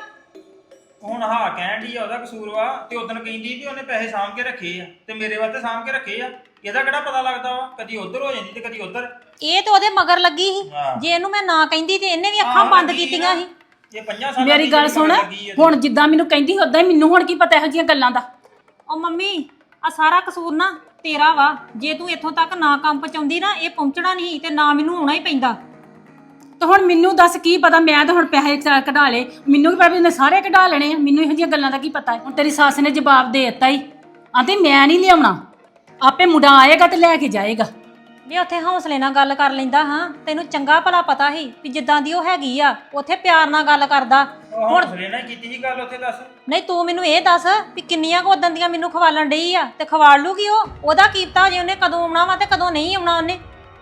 C: ਹੁਣ ਹਾਂ ਕਹਿਣ ਦੀ ਆ ਉਹਦਾ ਕਸੂਰ ਵਾ, ਤੇ ਉਦੋਂ ਕਹਿੰਦੀ ਵੀ ਉਹਨੇ ਪੈਸੇ ਸਾਂਭ ਕੇ ਰੱਖੇ ਆ ਤੇ ਮੇਰੇ ਵਾਸਤੇ ਸਾਂਭ ਕੇ ਰੱਖੇ ਆ। ਇਹਦਾ ਕਿਹੜਾ ਪਤਾ ਲੱਗਦਾ ਵਾ, ਕਦੀ ਉਧਰ ਹੋ ਜਾਂਦੀ ਤੇ ਕਦੀ ਉਧਰ।
B: ਇਹ ਤੇ ਉਹਦੇ ਮਗਰ ਲੱਗੀ ਸੀ।
C: ਹਾਂ।
B: ਜੇ ਇਹਨੂੰ ਮੈਂ ਨਾ ਕਹਿੰਦੀ ਤੇ ਇਹਨੇ ਵੀ ਅੱਖਾਂ ਬੰਦ ਕੀਤੀਆਂ ਸੀ।
C: ਇਹ 5 ਸਾਲਾਂ
A: ਮੇਰੀ
C: ਦੀ
A: ਗੱਲ
C: ਜਿਹੜੀ
A: ਸੁਣ,
C: ਲੱਗੀ ਆ।
A: ਹੁਣ ਜਿੱਦਾਂ ਮੈਨੂੰ ਕਹਿੰਦੀ ਉਦਾਂ ਹੀ ਮੈਨੂੰ ਹੁਣ ਕੀ ਪਤਾ ਇਹੋ ਜਿਹੀਆਂ ਗੱਲਾਂ ਦਾ।
B: ਉਹ ਮੰਮੀ, ਆ ਸਾਰਾ ਕਸੂਰ ਨਾ ਤੇਰਾ ਵਾ। ਜੇ ਤੂੰ ਇੱਥੋਂ ਤੱਕ ਨਾ ਕੰਮ ਪਹੁੰਚਾਉਂਦੀ ਨਾ, ਇਹ ਪਹੁੰਚਣਾ ਨਹੀਂ ਤੇ ਨਾ ਮੈਨੂੰ ਆਉਣਾ ਹੀ ਪੈਂਦਾ।
A: ਤੇ ਹੁਣ ਮੈਨੂੰ ਦੱਸ ਕੀ ਪਤਾ, ਮੈਂ ਤਾਂ ਹੁਣ ਪੈਸੇ ਕਢਾ ਲਏ, ਮੈਨੂੰ ਕੀ ਪਤਾ ਵੀ ਉਹਨੇ ਸਾਰੇ ਕਢਾ ਲੈਣੇ ਆ। ਮੈਨੂੰ ਇਹੋ ਜਿਹੀਆਂ ਗੱਲਾਂ ਦਾ ਕੀ ਪਤਾ। ਹੁਣ ਤੇਰੀ ਸੱਸ ਨੇ ਜਵਾਬ ਦੇ ਦਿੱਤਾ ਹੀ, ਆਂਦੀ ਮੈਂ ਨਹੀਂ ਲਿਆਉਣਾ, ਆਪੇ ਮੁੰਡਾ ਆਏਗਾ ਤੇ ਲੈ ਕੇ ਜਾਏਗਾ।
B: ਵੀ ਉੱਥੇ ਹੌਸਲੇ ਨਾਲ ਗੱਲ ਕਰ ਲੈਂਦਾ। ਹਾਂ, ਤੈਨੂੰ ਚੰਗਾ ਭਲਾ ਪਤਾ ਸੀ ਵੀ ਜਿੱਦਾਂ ਦੀ ਉਹ ਹੈਗੀ ਆ, ਉੱਥੇ ਪਿਆਰ ਨਾਲ ਗੱਲ ਕਰਦਾ।
C: ਹੁਣ ਹੌਸਲੇ ਨਾਲ ਕੀਤੀ ਸੀ ਗੱਲ ਉੱਥੇ, ਦੱਸ।
B: ਨਹੀਂ, ਤੂੰ ਮੈਨੂੰ ਇਹ ਦੱਸ ਵੀ ਕਿੰਨੀਆਂ ਕੁ ਉਦਾਂ ਦੀਆਂ ਮੈਨੂੰ ਖਵਾਲਣ ਡਈ ਆ, ਤੇ ਖਵਾਲ ਲੂਗੀ ਉਹਦਾ ਕੀਪਤਾ ਜੇ ਉਹਨੇ ਕਦੋਂ ਆਉਣਾ ਵਾ ਤੇ ਕਦੋਂ ਨਹੀਂ ਆਉਣਾ ਉਹਨੇ।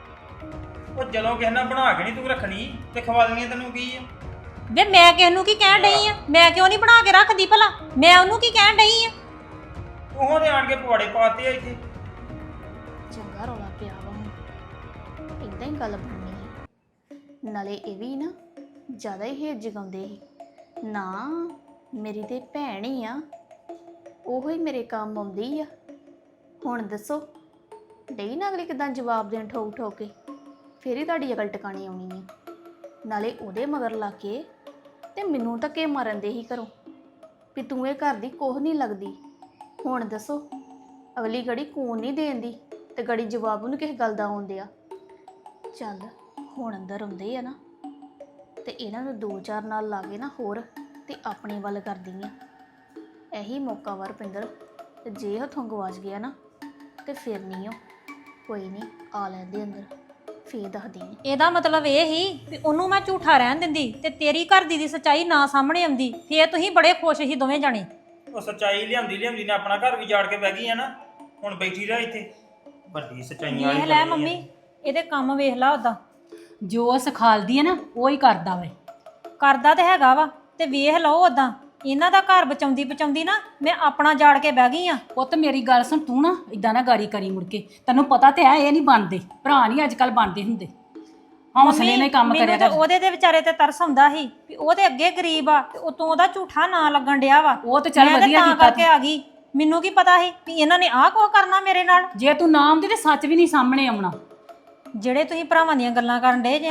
C: ਉਹ ਜਦੋਂ ਕਿਸੇ ਨਾਲ ਬਣਾ ਕੇ ਨਹੀਂ ਤੂੰ ਰੱਖਣੀ ਤੇ ਖਵਾਲਣੀ ਤੈਨੂੰ ਕੀ ਆ?
B: ਵੇ ਮੈਂ ਕਿਸ ਨੂੰ ਕੀ ਕਹਿਣ ਡਈ ਆ? ਮੈਂ ਕਿਉਂ ਨਹੀਂ ਬਣਾ ਕੇ ਰੱਖਦੀ ਭਲਾ? ਮੈਂ ਉਹਨੂੰ ਕੀ ਕਹਿਣ ਡਈ ਆ?
C: ਉਹ ਤੇ ਆਣ ਕੇ ਪਵਾੜੇ ਪਾਤੇ ਆ ਇੱਥੇ।
D: ਚੰਗਾ ਰੌਲਾ ਪਿਆ ਵਾ ਹੁਣ, ਇਦਾਂ ਹੀ ਗੱਲ ਬਣਨੀ ਹੈ। ਨਾਲੇ ਇਹ ਵੀ ਨਾ ਜ਼ਿਆਦਾ ਹੀ ਹੇਜ ਜਗਾਉਂਦੇ ਸੀ ਨਾ, ਮੇਰੀ ਤੇ ਭੈਣ ਹੀ ਆ, ਉਹੋ ਹੀ ਮੇਰੇ ਕੰਮ ਆਉਂਦੀ ਆ। ਹੁਣ ਦੱਸੋ ਡਈ ਨਾ ਅਗਲੀ ਕਿਦਾਂ ਜਵਾਬ ਦੇਣ ਠੋਕ ਠੋਕ ਕੇ, ਫਿਰ ਹੀ ਤੁਹਾਡੀ ਅਕਲ ਟਿਕਾਣੀ ਆਉਣੀ ਹੈ। ਨਾਲੇ ਉਹਦੇ ਮਗਰ ਲਾ ਕੇ ਤੇ ਮੈਨੂੰ ਧੱਕੇ ਮਾਰਨ ਦੇ ਹੀ ਘਰੋਂ ਵੀ ਤੂੰ ਇਹ ਘਰ ਦੀ ਕੋਹ ਨਹੀਂ ਲੱਗਦੀ। ਹੁਣ ਦੱਸੋ ਅਗਲੀ ਗੜੀ ਕੂਨ ਨਹੀਂ ਦੇਂਦੀ ਤੇ ਗੜੀ ਜਵਾਬ ਉਹਨੂੰ ਕਿਸੇ ਗੱਲ ਦਾ ਆਉਂਦੇ ਆ। ਚੱਲ ਹੁਣ ਅੰਦਰ ਆਉਂਦੇ ਆ ਨਾ, ਤੇ ਇਹਨਾਂ ਨੂੰ 2-4 ਨਾਲ ਲਾ ਕੇ ਨਾ ਹੋਰ ਤੇ ਆਪਣੇ ਵੱਲ ਕਰਦੀ ਆ। ਇਹੀ ਮੌਕਾ ਵਾ ਰੁਪਿੰਦਰ, ਤੇ ਜੇ ਹੱਥੋਂ ਗਵਾਚ ਗਿਆ ਨਾ ਤੇ ਫਿਰ ਨਹੀਂ। ਉਹ ਕੋਈ ਨਹੀਂ, ਆ ਲੈਂਦੇ ਅੰਦਰ ਫੇਰ ਦੱਸਦੀ ਆ।
B: ਇਹਦਾ ਮਤਲਬ ਇਹ ਹੀ ਵੀ ਉਹਨੂੰ ਮੈਂ ਝੂਠਾ ਰਹਿਣ ਦਿੰਦੀ ਤੇ ਤੇਰੀ ਘਰ ਦੀ ਸੱਚਾਈ ਨਾ ਸਾਹਮਣੇ ਆਉਂਦੀ, ਫੇਰ ਤੁਸੀਂ ਬੜੇ ਖੁਸ਼ ਸੀ ਦੋਵੇਂ ਜਾਣੇ।
C: ਉਹ ਸੱਚਾਈ ਲਿਆਂਦੀ ਨੇ ਆਪਣਾ ਘਰ ਵੀ ਜਾੜ ਕੇ ਬਹਿ ਗਈ ਆ ਨਾ, ਹੁਣ ਬੈਠੀ ਰਹਿ ਇੱਥੇ। ਵੱਡੀ ਸੱਚਾਈਆਂ ਵਾਲੀ
B: ਵੇਖ ਲੈ
C: ਗੱਲ ਨੀ
B: ਮੰਮੀ,
C: ਆ।
B: ਇਹਦੇ ਕੰਮ ਵੇਖ ਲਾ। ਉਦਾਂ
A: ਜੋ ਸਿਖਾਲਦੀ ਹੈ ਨਾ ਉਹ ਹੀ ਕਰਦਾ ਵੇ।
B: ਕਰਦਾ ਤੇ ਹੈਗਾ ਵਾ, ਤੇ ਵੇਖ ਲਓ ਉਦਾਂ ਇਹਨਾਂ ਦਾ ਘਰ ਬਚਾਉਂਦੀ ਨਾ ਮੈਂ ਆਪਣਾ ਜਾੜ ਕੇ ਬਹਿ ਗਈ ਆ।
A: ਪੁੱਤ ਮੇਰੀ ਗੱਲ ਸੁਣ, ਤੂੰ ਨਾ ਇਦਾਂ ਨਾ ਗਾੜੀ ਕਰੀ ਮੁੜ ਕੇ। ਤੈਨੂੰ ਪਤਾ ਤੇ ਹੈ ਇਹ ਨਹੀਂ ਬਣਦੇ, ਭਰਾ ਨਹੀਂ ਅੱਜ ਕੱਲ ਬਣਦੇ ਹੁੰਦੇ। ਹੌਸਲੇ ਨਾਲ ਹੀ ਕੰਮ ਕਰਿਆ
B: ਮੈਨੂੰ
A: ਕਰ।
B: ਤੇ ਉਹਦੇ ਦੇ ਵਿਚਾਰੇ ਤੇ ਤਰਸ ਆਉਂਦਾ ਸੀ ਵੀ ਉਹਦੇ ਅੱਗੇ ਗਰੀਬ ਆ ਤੇ ਉਤੋਂ ਉਹਦਾ ਝੂਠਾ ਨਾਂ ਲੱਗਣ ਡਿਆ ਵਾ।
A: ਉਹ ਤੇ ਚੱਲ
B: ਮੈਂ
A: ਵਧੀਆ
B: ਤਾਂ
A: ਕੀਤਾ
B: ਕਰਕੇ ਆ ਗਈ। ਮੈਨੂੰ ਕੀ ਪਤਾ ਸੀ ਵੀ ਇਹਨਾਂ ਨੇ ਆਹ ਕੁਝ ਕਰਨਾ ਮੇਰੇ ਨਾਲ।
A: ਜੇ ਤੂੰ ਨਾ ਆਉਂਦੀ ਤੇ ਸੱਚ ਵੀ ਨਹੀਂ ਸਾਹਮਣੇ ਆਉਣਾ।
B: ਜਿਹੜੇ ਤੁਸੀਂ ਭਰਾਵਾਂ ਦੀਆਂ ਗੱਲਾਂ ਕਰਨ ਡੇ ਜੇ ਨਾ,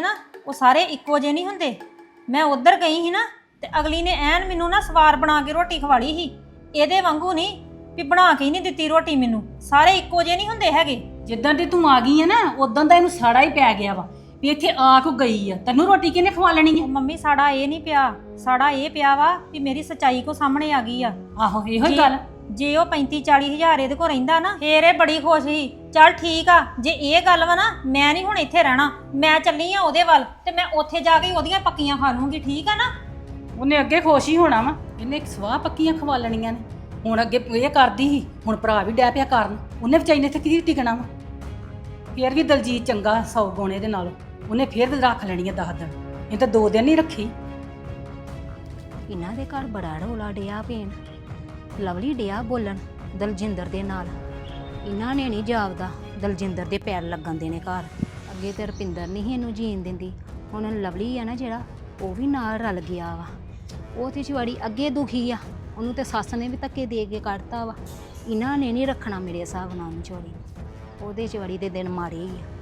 B: ਉਹ ਸਾਰੇ ਇੱਕੋ ਜਿਹੇ ਨਹੀਂ ਹੁੰਦੇ। ਮੈਂ ਉੱਧਰ ਗਈ ਸੀ ਨਾ ਤੇ ਅਗਲੀ ਨੇ ਐਨ ਮੈਨੂੰ ਨਾ ਸਵਾਰ ਬਣਾ ਕੇ ਰੋਟੀ ਖਵਾਲੀ ਸੀ। ਇਹਦੇ ਵਾਂਗੂ ਨਹੀਂ ਵੀ ਬਣਾ ਕੇ ਹੀ ਨਹੀਂ ਦਿੱਤੀ ਰੋਟੀ ਮੈਨੂੰ। ਸਾਰੇ ਇੱਕੋ ਜਿਹੇ ਨਹੀਂ ਹੁੰਦੇ ਹੈਗੇ।
A: ਜਿੱਦਾਂ ਦੀ ਤੂੰ ਆ ਗਈ ਹੈ ਨਾ ਉਦੋਂ ਦਾ ਇਹਨੂੰ ਸਾੜਾ ਹੀ ਪੈ ਗਿਆ ਵਾ ਵੀ ਇੱਥੇ ਆ ਕੋ ਗਈ ਆ, ਤੈਨੂੰ ਰੋਟੀ ਕਿਹਨੇ ਖਵਾ ਲੈਣੀ
B: ਉਹ
A: ਹੈ?
B: ਮੰਮੀ ਸਾਡਾ ਇਹ ਨਹੀਂ ਪਿਆ, ਸਾਡਾ ਇਹ ਪਿਆ ਵਾ ਵੀ ਮੇਰੀ ਸੱਚਾਈ ਕੋ ਸਾਹਮਣੇ ਆ ਗਈ ਆ।
A: ਆਹੋ ਇਹੋ ਹੀ ਗੱਲ।
B: ਜੇ ਉਹ 35-40 ਹਜ਼ਾਰ ਇਹਦੇ ਕੋਲ ਰਹਿੰਦਾ ਨਾ ਫੇਰ ਇਹ ਬੜੀ ਖੁਸ਼ ਸੀ। ਚੱਲ ਠੀਕ ਆ, ਜੇ ਇਹ ਗੱਲ ਵਾ ਨਾ ਮੈਂ ਨਹੀਂ ਹੁਣ ਇੱਥੇ ਰਹਿਣਾ, ਮੈਂ ਚੱਲੀ ਆ ਉਹਦੇ ਵੱਲ ਤੇ ਮੈਂ ਉੱਥੇ ਜਾ ਕੇ ਉਹਦੀਆਂ ਪੱਕੀਆਂ ਖਾ ਲੂੰਗੀ। ਠੀਕ ਆ ਨਾ?
A: ਉਹਨੇ ਅੱਗੇ ਖੁਸ਼ ਹੀ ਹੋਣਾ ਵਾ, ਇਹਨੇ ਸਵਾਹ ਪੱਕੀਆਂ ਖਵਾ ਲੈਣੀਆਂ ਨੇ। ਹੁਣ ਅੱਗੇ ਇਹ ਕਰਦੀ ਸੀ, ਹੁਣ ਭਰਾ ਵੀ ਡੈ ਪਿਆ ਕਰਨ। ਉਹਨੇ ਵਿਚਾਈ ਨੇ ਇੱਥੇ ਕੀ ਟਿਕਣਾ ਵਾ? ਫੇਰ ਵੀ ਦਲਜੀਤ ਚੰਗਾ 100 ਗੁਣੇ ਦੇ ਨਾਲੋਂ। ਉਹਨੇ ਫੇਰ ਰੱਖ ਲੈਣੀ ਆ 10 ਦਿਨ, ਇਹ ਤਾਂ 2 ਦਿਨ ਨਹੀਂ ਰੱਖੀ।
D: ਇਹਨਾਂ ਦੇ ਘਰ ਬੜਾ ਰੌਲਾ ਡਿਆ ਪੈਣ। ਲਵਲੀ ਡਿਆ ਬੋਲਣ ਦਲਜਿੰਦਰ ਦੇ ਨਾਲ। ਇਹਨਾਂ ਨੇ ਨਹੀਂ ਜਾਪਦਾ ਦਲਜਿੰਦਰ ਦੇ ਪੈਰ ਲੱਗਣ ਦੇਣੇ ਘਰ। ਅੱਗੇ ਤੇ ਰੁਪਿੰਦਰ ਨਹੀਂ ਇਹਨੂੰ ਜੀਣ ਦਿੰਦੀ, ਹੁਣ ਲਵਲੀ ਆ ਨਾ ਜਿਹੜਾ ਉਹ ਵੀ ਨਾਲ ਰਲ ਗਿਆ ਵਾ। ਉਹ ਤੇ ਚਵਾੜੀ ਅੱਗੇ ਦੁਖੀ ਆ, ਉਹਨੂੰ ਤੇ ਸੱਸ ਨੇ ਵੀ ਧੱਕੇ ਦੇ ਕੇ ਕੱਢਤਾ ਵਾ। ਇਹਨਾਂ ਨੇ ਨਹੀਂ ਰੱਖਣਾ ਮੇਰੇ ਹਿਸਾਬ ਨਾਲ ਉਹਨੂੰ ਚਵਾੜੀ। ਉਹਦੇ ਚਵਾੜੀ ਦੇ ਦਿਨ ਮਾਰੇ ਹੀ ਆ।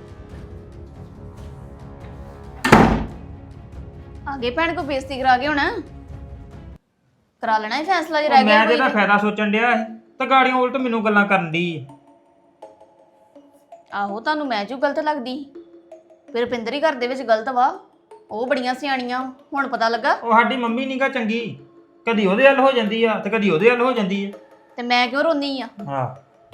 G: ਆਗੇ ਭੈਣ ਕੋ ਬੇਇੱਜ਼ਤੀ ਕਰਾ ਕੇ ਹੁਣ ਕਰਾ ਲੈਣਾ ਹੀ ਫੈਸਲਾ ਜੇ
C: ਉਹ
G: ਰਹਿ ਗਿਆ
C: ਮੈਂ ਤੇ
G: ਕੋਈ
C: ਇਹਦਾ
G: ਤੇ।
C: ਫਾਇਦਾ ਸੋਚਣ ਡਿਆ ਸੀ ਤੇ ਗਾੜੀਆਂ ਉਲਟ ਮੈਨੂੰ ਗੱਲਾਂ ਕਰਨ ਦੀ।
G: ਆਹੋ ਤੁਹਾਨੂੰ ਮੈਂ ਜੋ ਗਲਤ ਲੱਗਦੀ ਫਿਰ ਰੁਪਿੰਦਰ ਹੀ ਘਰ ਦੇ ਵਿੱਚ ਗਲਤ ਵਾ। ਉਹ ਬੜੀਆਂ ਸਿਆਣੀਆਂ, ਹੁਣ ਪਤਾ ਲੱਗਾ।
C: ਉਹ ਸਾਡੀ ਮੰਮੀ ਨੀਗਾ ਚੰਗੀ, ਕਦੀ ਉਹਦੇ ਹੱਲ ਹੋ ਜਾਂਦੀ ਆ ਤੇ ਕਦੀ ਉਹਦੇ ਹੱਲ ਹੋ ਜਾਂਦੀ ਆ।
G: ਤੇ ਮੈਂ ਕਿਉਂ ਰੋਂਦੀ ਆ?
C: ਹਾਂ